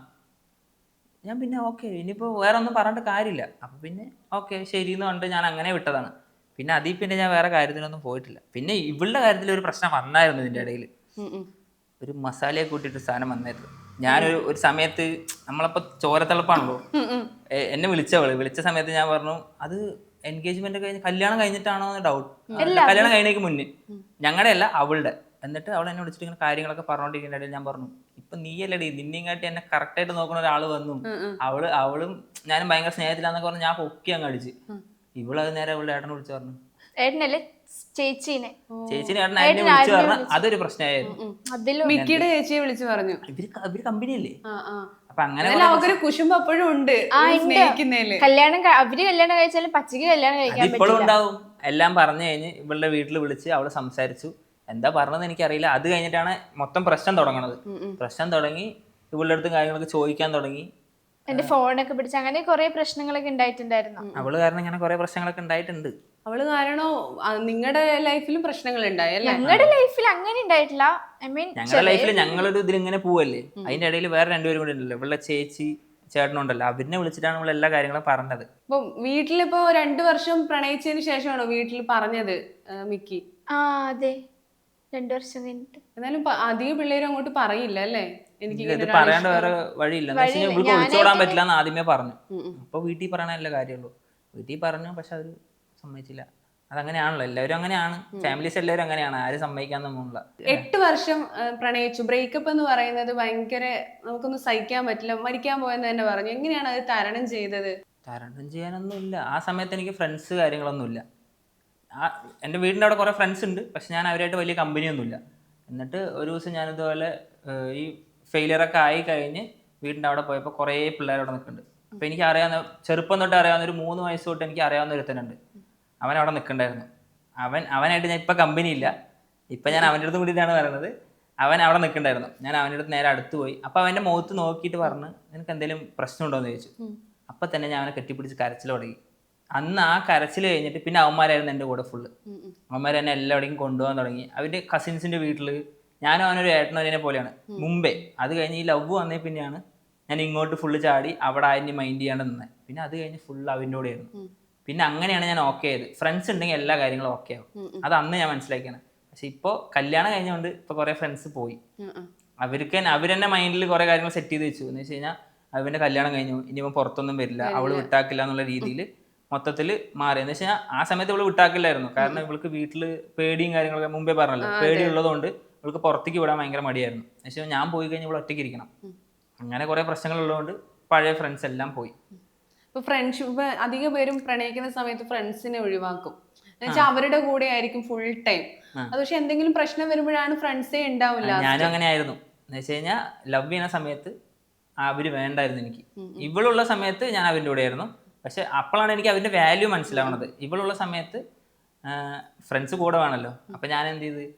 B: ഞാൻ പിന്നെ ഓക്കെ ഇനിയിപ്പോ വേറെ ഒന്നും പറഞ്ഞിട്ട് കാര്യമില്ല. അപ്പൊ പിന്നെ ഓക്കെ ശരി എന്ന് പറഞ്ഞിട്ട് ഞാൻ അങ്ങനെ വിട്ടതാണ്. പിന്നെ പിന്നെ ഞാൻ വേറെ കാര്യത്തിനൊന്നും പോയിട്ടില്ല. പിന്നെ ഇവളുടെ കാര്യത്തിൽ ഒരു പ്രശ്നം വന്നായിരുന്നു. ഇതിന്റെ ഇടയിൽ ഒരു മസാലയെ കൂട്ടിയിട്ട് സാധനം വന്നായിരുന്നു. ഞാനൊരു സമയത്ത് നമ്മളപ്പോ ചോരത്തിളപ്പാണല്ലോ, എന്നെ വിളിച്ച സമയത്ത് ഞാൻ പറഞ്ഞു അത് എൻഗേജ്മെന്റ് കഴിഞ്ഞ് കല്യാണം കഴിഞ്ഞിട്ടാണോ എന്ന് ഡൗട്ട്. കല്യാണം കഴിഞ്ഞേക്ക് മുന്നേ, ഞങ്ങളുടെ അല്ല അവളുടെ. എന്നിട്ട് അവൾ എന്നെ വിളിച്ചിട്ട് ഇങ്ങനെ കാര്യങ്ങളൊക്കെ പറഞ്ഞോണ്ടിരിക്കുന്ന ഇടയിൽ ഞാൻ പറഞ്ഞു, ഇപ്പൊ നീയല്ലടി, നിന്നെയും കാട്ടി എന്നെ കറക്റ്റ് ആയിട്ട് നോക്കുന്ന ഒരാള് വന്നു, അവളും ഞാനും ഭയങ്കര സ്നേഹത്തിലാന്നൊക്കെ പറഞ്ഞു. ഞാൻ പൊക്കി അങ്ങ് അടിച്ച്. ഇവളത് നേരെ അവളുടെ ഏട്ടനെ വിളിച്ചു പറഞ്ഞു, ചേച്ചിനെ ഏട്ടനെ വിളിച്ചു പറഞ്ഞു. അതൊരു പ്രശ്നമായിരുന്നു.
A: മിക്കിയുടെ ചേച്ചിയെ വിളിച്ചു പറഞ്ഞു.
B: ഇവര് കമ്പനിയല്ലേ. അപ്പൊ അങ്ങനെ
A: കുശുമ്പ് അപ്പോഴും ഉണ്ട്.
C: കല്യാണം കഴിച്ചാലും പച്ചക്ക് കല്യാണം കഴിക്കാൻ
B: ഇപ്പോഴും ഉണ്ടാവും. എല്ലാം പറഞ്ഞു കഴിഞ്ഞ് ഇവളുടെ വീട്ടിൽ വിളിച്ച് അവള് സംസാരിച്ചു. എന്താ പറഞ്ഞത് എനിക്കറിയില്ല. അത് കഴിഞ്ഞിട്ടാണ് മൊത്തം പ്രശ്നം തുടങ്ങണത്. പ്രശ്നം തുടങ്ങി, ഇവളുടെ അടുത്ത് കാര്യങ്ങളൊക്കെ ചോദിക്കാൻ തുടങ്ങി.
C: എന്റെ ഫോണൊക്കെ പിടിച്ച് അങ്ങനെ കുറെ പ്രശ്നങ്ങളൊക്കെ ഉണ്ടായിട്ടുണ്ടായിരുന്നു.
B: അവള് കാരണം ഇങ്ങനെ കുറെ പ്രശ്നങ്ങളൊക്കെ ഉണ്ടായിട്ടുണ്ട്.
A: അവള് കാരണോ നിങ്ങളുടെ ലൈഫിലും പ്രശ്നങ്ങൾ ഉണ്ടായല്ലേ?
C: ഞങ്ങളുടെ ലൈഫിൽ അങ്ങനെ ഉണ്ടായിട്ടില്ല.
B: ഞങ്ങളുടെ ലൈഫിൽ ഞങ്ങളൊരു ഇതിലിങ്ങനെ പോവല്ലേ, അതിന്റെ ഇടയിൽ വേറെ 2 പേരും കൂടി ഉണ്ടല്ലോ, ഇവളുടെ ചേച്ചി ചേട്ടനുണ്ടല്ലോ, അവരിനെ വിളിച്ചിട്ടാണ് നമ്മൾ എല്ലാ കാര്യങ്ങളും പറഞ്ഞത്.
A: ഇപ്പൊ വീട്ടിലിപ്പോ 2 വർഷം പ്രണയിച്ചതിന് ശേഷമാണോ വീട്ടിൽ പറഞ്ഞത് മിക്കി?
C: അതെ, 2 വർഷം കഴിഞ്ഞിട്ട്.
A: എന്നാലും അധികം പിള്ളേരും അങ്ങോട്ട് പറയില്ല അല്ലേ?
B: എനിക്ക് പറയാണ്ട് വേറെ വഴിയില്ല. ഇവൾക്ക് ഒളിച്ചോടാൻ പറ്റില്ല എന്ന് ആദ്യമേ പറഞ്ഞു. അപ്പൊ വീട്ടിൽ പറയണല്ലേ കാര്യമുള്ളൂ. വീട്ടിൽ പറഞ്ഞു, പക്ഷെ അവര് സമ്മതിച്ചില്ല. അതങ്ങനെയാണല്ലോ, എല്ലാവരും അങ്ങനെയാണ്, ഫാമിലീസ് എല്ലാവരും അങ്ങനെയാണ്, ആരും സമ്മതിക്കാന്നൊന്നുമില്ല.
A: 8 വർഷം പ്രണയിച്ചു. ബ്രേക്കപ്പ് എന്ന് പറയുന്നത് ഭയങ്കര നമുക്കൊന്നും സഹിക്കാൻ പറ്റില്ല, മരിക്കാൻ പോയെന്ന് തന്നെ പറഞ്ഞു. എങ്ങനെയാണ് അത് തരണം ചെയ്തത്?
B: തരണം ചെയ്യാനൊന്നുമില്ല. ആ സമയത്ത് എനിക്ക് ഫ്രണ്ട്സ് കാര്യങ്ങളൊന്നുമില്ല. എൻ്റെ വീടിൻ്റെ അവിടെ കുറേ ഫ്രണ്ട്സ് ഉണ്ട്, പക്ഷെ ഞാൻ അവരായിട്ട് വലിയ കമ്പനിയൊന്നുമില്ല. എന്നിട്ട് ഒരു ദിവസം ഞാനിതുപോലെ ഈ ഫെയിലിയറൊക്കെ ആയി കഴിഞ്ഞ് വീടിൻ്റെ അവിടെ പോയപ്പോൾ കുറേ പിള്ളേർ അവിടെ നിൽക്കുന്നുണ്ട്. അപ്പൊ എനിക്ക് അറിയാവുന്ന ചെറുപ്പം തൊട്ട് അറിയാവുന്ന ഒരു 3 വയസ്സ് തൊട്ട് എനിക്ക് അറിയാവുന്ന ഒരുത്തനുണ്ട്. അവൻ അവിടെ നിൽക്കണ്ടായിരുന്നു. അവനായിട്ട് ഞാൻ ഇപ്പൊ കമ്പനി ഇല്ല, ഇപ്പൊ ഞാൻ അവൻ്റെ അടുത്ത് കൂടിയിട്ടാണ് പറയുന്നത്. അവൻ അവിടെ നിൽക്കണ്ടായിരുന്നു. ഞാൻ അവൻ്റെ അടുത്ത് നേരെ അടുത്ത് പോയി. അപ്പൊ അവന്റെ മുഖത്ത് നോക്കിയിട്ട് പറഞ്ഞ് നിനക്ക് എന്തെങ്കിലും പ്രശ്നമുണ്ടോ എന്ന് ചോദിച്ചു. അപ്പൊ തന്നെ ഞാൻ അവനെ കെട്ടിപ്പിടിച്ച് കരച്ചിൽ തുടങ്ങി. അന്ന് ആ കരച്ചിൽ കഴിഞ്ഞിട്ട് പിന്നെ അവന്മാരായിരുന്നു എൻ്റെ കൂടെ ഫുള്ള്. അവന്മാർ എന്നെ എല്ലാവിടേക്കും കൊണ്ടുപോകാൻ തുടങ്ങി. അവൻ്റെ കസിൻസിൻ്റെ വീട്ടിൽ ഞാനും അവനൊരു ഏട്ടനൊരേനെ പോലെയാണ് മുമ്പേ. അത് കഴിഞ്ഞ് ഈ ലവ് വന്നേ പിന്നെയാണ് ഞാൻ ഇങ്ങോട്ട് ഫുള്ള് ചാടി അവിടെ അതിന് മൈൻഡ് ചെയ്യാണ്ട് നിന്നത്. പിന്നെ അത് കഴിഞ്ഞ് ഫുള്ള് അവൻ്റെ കൂടെയായിരുന്നു. പിന്നെ അങ്ങനെയാണ് ഞാൻ ഓക്കെ ആയത്. ഫ്രണ്ട്സ് ഉണ്ടെങ്കിൽ എല്ലാ കാര്യങ്ങളും ഓക്കെ ആവും. അത് അന്ന് ഞാൻ മനസ്സിലാക്കിയാണ്. പക്ഷെ ഇപ്പോൾ കല്യാണം കഴിഞ്ഞുകൊണ്ട് ഇപ്പോൾ കുറേ ഫ്രണ്ട്സ് പോയി. അവരെന്നെ മൈൻഡിൽ കുറേ കാര്യങ്ങൾ സെറ്റ് ചെയ്ത് വെച്ചു. എന്ന് വെച്ച് കഴിഞ്ഞാൽ അവൻ്റെ കല്യാണം കഴിഞ്ഞു, ഇനിയിപ്പോൾ പുറത്തൊന്നും വരില്ല, അവള് വിട്ടാക്കില്ല എന്നുള്ള രീതിയിൽ മൊത്തത്തിൽ മാറി. എന്ന് വെച്ചാൽ ആ സമയത്ത് ഇവള് വിട്ടാക്കില്ലായിരുന്നു. കാരണം ഇവൾക്ക് വീട്ടിൽ പേടിയും കാര്യങ്ങളൊക്കെ മുമ്പേ പറഞ്ഞല്ലോ, പേടി ഉള്ളതുകൊണ്ട് ഇവൾക്ക് പുറത്തേക്ക് വിടാൻ ഭയങ്കര മടിയായിരുന്നു. പക്ഷേ ഞാൻ പോയി കഴിഞ്ഞാൽ ഇവൾ ഒറ്റയ്ക്ക് ഇരിക്കണം. അങ്ങനെ കുറെ പ്രശ്നങ്ങൾ ഉള്ളതുകൊണ്ട് പഴയ ഫ്രണ്ട്സ് എല്ലാം പോയി.
A: ഇപ്പൊ ഫ്രണ്ട്ഷിപ്പ് അധിക പേരും പ്രണയിക്കുന്ന സമയത്ത് ഫ്രണ്ട്സിനെ ഒഴിവാക്കും. എന്നുവെച്ചാൽ അവരുടെ കൂടെ ആയിരിക്കും ഫുൾ ടൈം. അത് പക്ഷെ എന്തെങ്കിലും പ്രശ്നം വരുമ്പോഴാണ് ഫ്രണ്ട്സേ ഉണ്ടാവില്ല.
B: ഞാനും അങ്ങനെ ആയിരുന്നു. എന്ന് വെച്ച് കഴിഞ്ഞാൽ ലവ് ചെയ്യുന്ന സമയത്ത് അവര് വേണ്ടായിരുന്നു എനിക്ക്. ഇവളുള്ള സമയത്ത് ഞാൻ അവൻ്റെ കൂടെ ആയിരുന്നു. പക്ഷെ അപ്പോഴാണ് എനിക്ക് അവൻ്റെ വാല്യൂ മനസ്സിലാവണത്. ഇവളുള്ള സമയത്ത് ഫ്രണ്ട്സ് കൂടെ വേണമല്ലോ. അപ്പൊ ഞാൻ എന്ത് ചെയ്ത്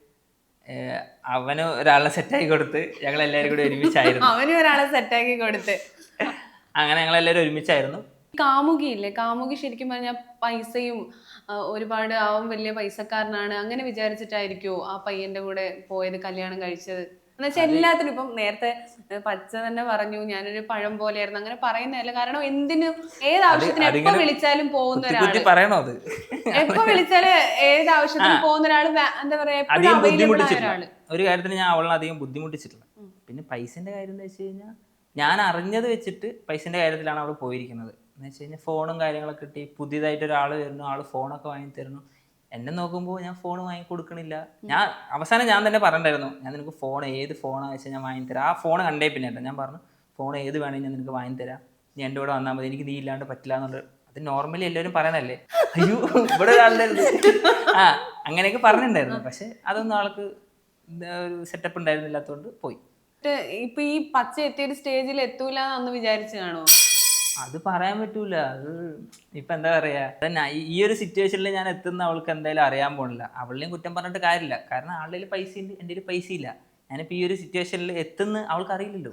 B: അവന് ഒരാളെ സെറ്റാക്കി കൊടുത്ത് ഞങ്ങൾ എല്ലാവരും കൂടി ഒരുമിച്ചായിരുന്നു.
A: അവനും ഒരാളെ സെറ്റാക്കി കൊടുത്ത്
B: അങ്ങനെ ഞങ്ങളെല്ലാവരും ഒരുമിച്ചായിരുന്നു.
A: കാമുകിയില്ലേ, കാമുകി ശരിക്കും പറഞ്ഞാൽ പൈസയും ഒരുപാട് അവൻ വലിയ പൈസക്കാരനാണ് അങ്ങനെ വിചാരിച്ചിട്ടായിരിക്കുമോ ആ പയ്യന്റെ കൂടെ പോയത്, കല്യാണം കഴിച്ചത്? എന്നുവെച്ചാൽ എല്ലാത്തിനും ഇപ്പം നേരത്തെ പച്ച തന്നെ പറഞ്ഞു ഞാനൊരു പഴം പോലെയായിരുന്നു, അങ്ങനെ പറയുന്നതല്ല. കാരണം എന്തിനും ഏത് ആവശ്യത്തിന് എപ്പോ വിളിച്ചാലും പോകുന്ന ഒരാള്,
B: പറയണോ അത്
A: എപ്പോ വിളിച്ചാല് ഏത് ആവശ്യത്തിന് പോകുന്ന ഒരാള്, എന്താ പറയാ, എപ്പോഴും അവൈലബിൾ ആയ ഒരാള്.
B: ഒരു കാര്യത്തിന് ഞാൻ അവളെ അധികം ബുദ്ധിമുട്ടിച്ചിട്ടില്ല. പിന്നെ പൈസന്റെ കാര്യം എന്ന് വെച്ച് കഴിഞ്ഞാൽ ഞാൻ അറിഞ്ഞത് വെച്ചിട്ട് പൈസന്റെ കാര്യത്തിലാണ് അവൾ പോയിരിക്കുന്നത്. എന്ന് വെച്ച് കഴിഞ്ഞാൽ ഫോണും കാര്യങ്ങളൊക്കെ കിട്ടി, പുതിയതായിട്ട് ഒരാൾ വരുന്നു, ആള് ഫോണൊക്കെ വാങ്ങി തരുന്നു. എന്നെ നോക്കുമ്പോൾ ഞാൻ ഫോൺ വാങ്ങി കൊടുക്കണില്ല. ഞാൻ അവസാനം ഞാൻ തന്നെ പറഞ്ഞിട്ടുണ്ടായിരുന്നു, ഞാൻ നിനക്ക് ഫോൺ ഏത് ഫോണാണെന്ന് വെച്ചാൽ ഞാൻ വാങ്ങിത്തരാം. ആ ഫോൺ കണ്ടേ പിന്നെ ഞാൻ പറഞ്ഞു ഫോൺ ഏത് വേണമെങ്കിൽ ഞാൻ നിനക്ക് വാങ്ങിത്തരാം, നീ എൻ്റെ കൂടെ വന്നാൽ മതി, എനിക്ക് നീ ഇല്ലാണ്ട് പറ്റില്ല എന്നുള്ളത്. അത് നോർമലി എല്ലാവരും പറയണല്ലേ. അയ്യോ ഇവിടെ ഒരാളുണ്ടായിരുന്നു അങ്ങനെയൊക്കെ പറഞ്ഞിട്ടുണ്ടായിരുന്നു. പക്ഷെ അതൊന്നും ആൾക്ക് ഒരു സെറ്റപ്പ് ഉണ്ടായിരുന്നില്ലാത്തതുകൊണ്ട് പോയി.
A: ഇപ്പൊ ഈ പച്ച എത്തിയൊരു സ്റ്റേജിൽ എത്തൂല എന്ന് വിചാരിച്ചു കാണുമോ?
B: അത് പറയാൻ പറ്റൂല. അത് ഇപ്പൊ എന്താ പറയാ, ഈ ഒരു സിറ്റുവേഷനിൽ ഞാൻ എത്തുന്ന അവൾക്ക് എന്തായാലും അറിയാൻ പോണില്ല. അവളെയും കുറ്റം പറഞ്ഞിട്ട് കാര്യമില്ല. കാരണം ആളുടെ പൈസ ഉണ്ട്, എൻ്റെ ഒരു പൈസ ഇല്ല. ഞാനിപ്പോ ഈ ഒരു സിറ്റുവേഷനിൽ എത്തുന്ന അവൾക്ക് അറിയില്ലല്ലോ.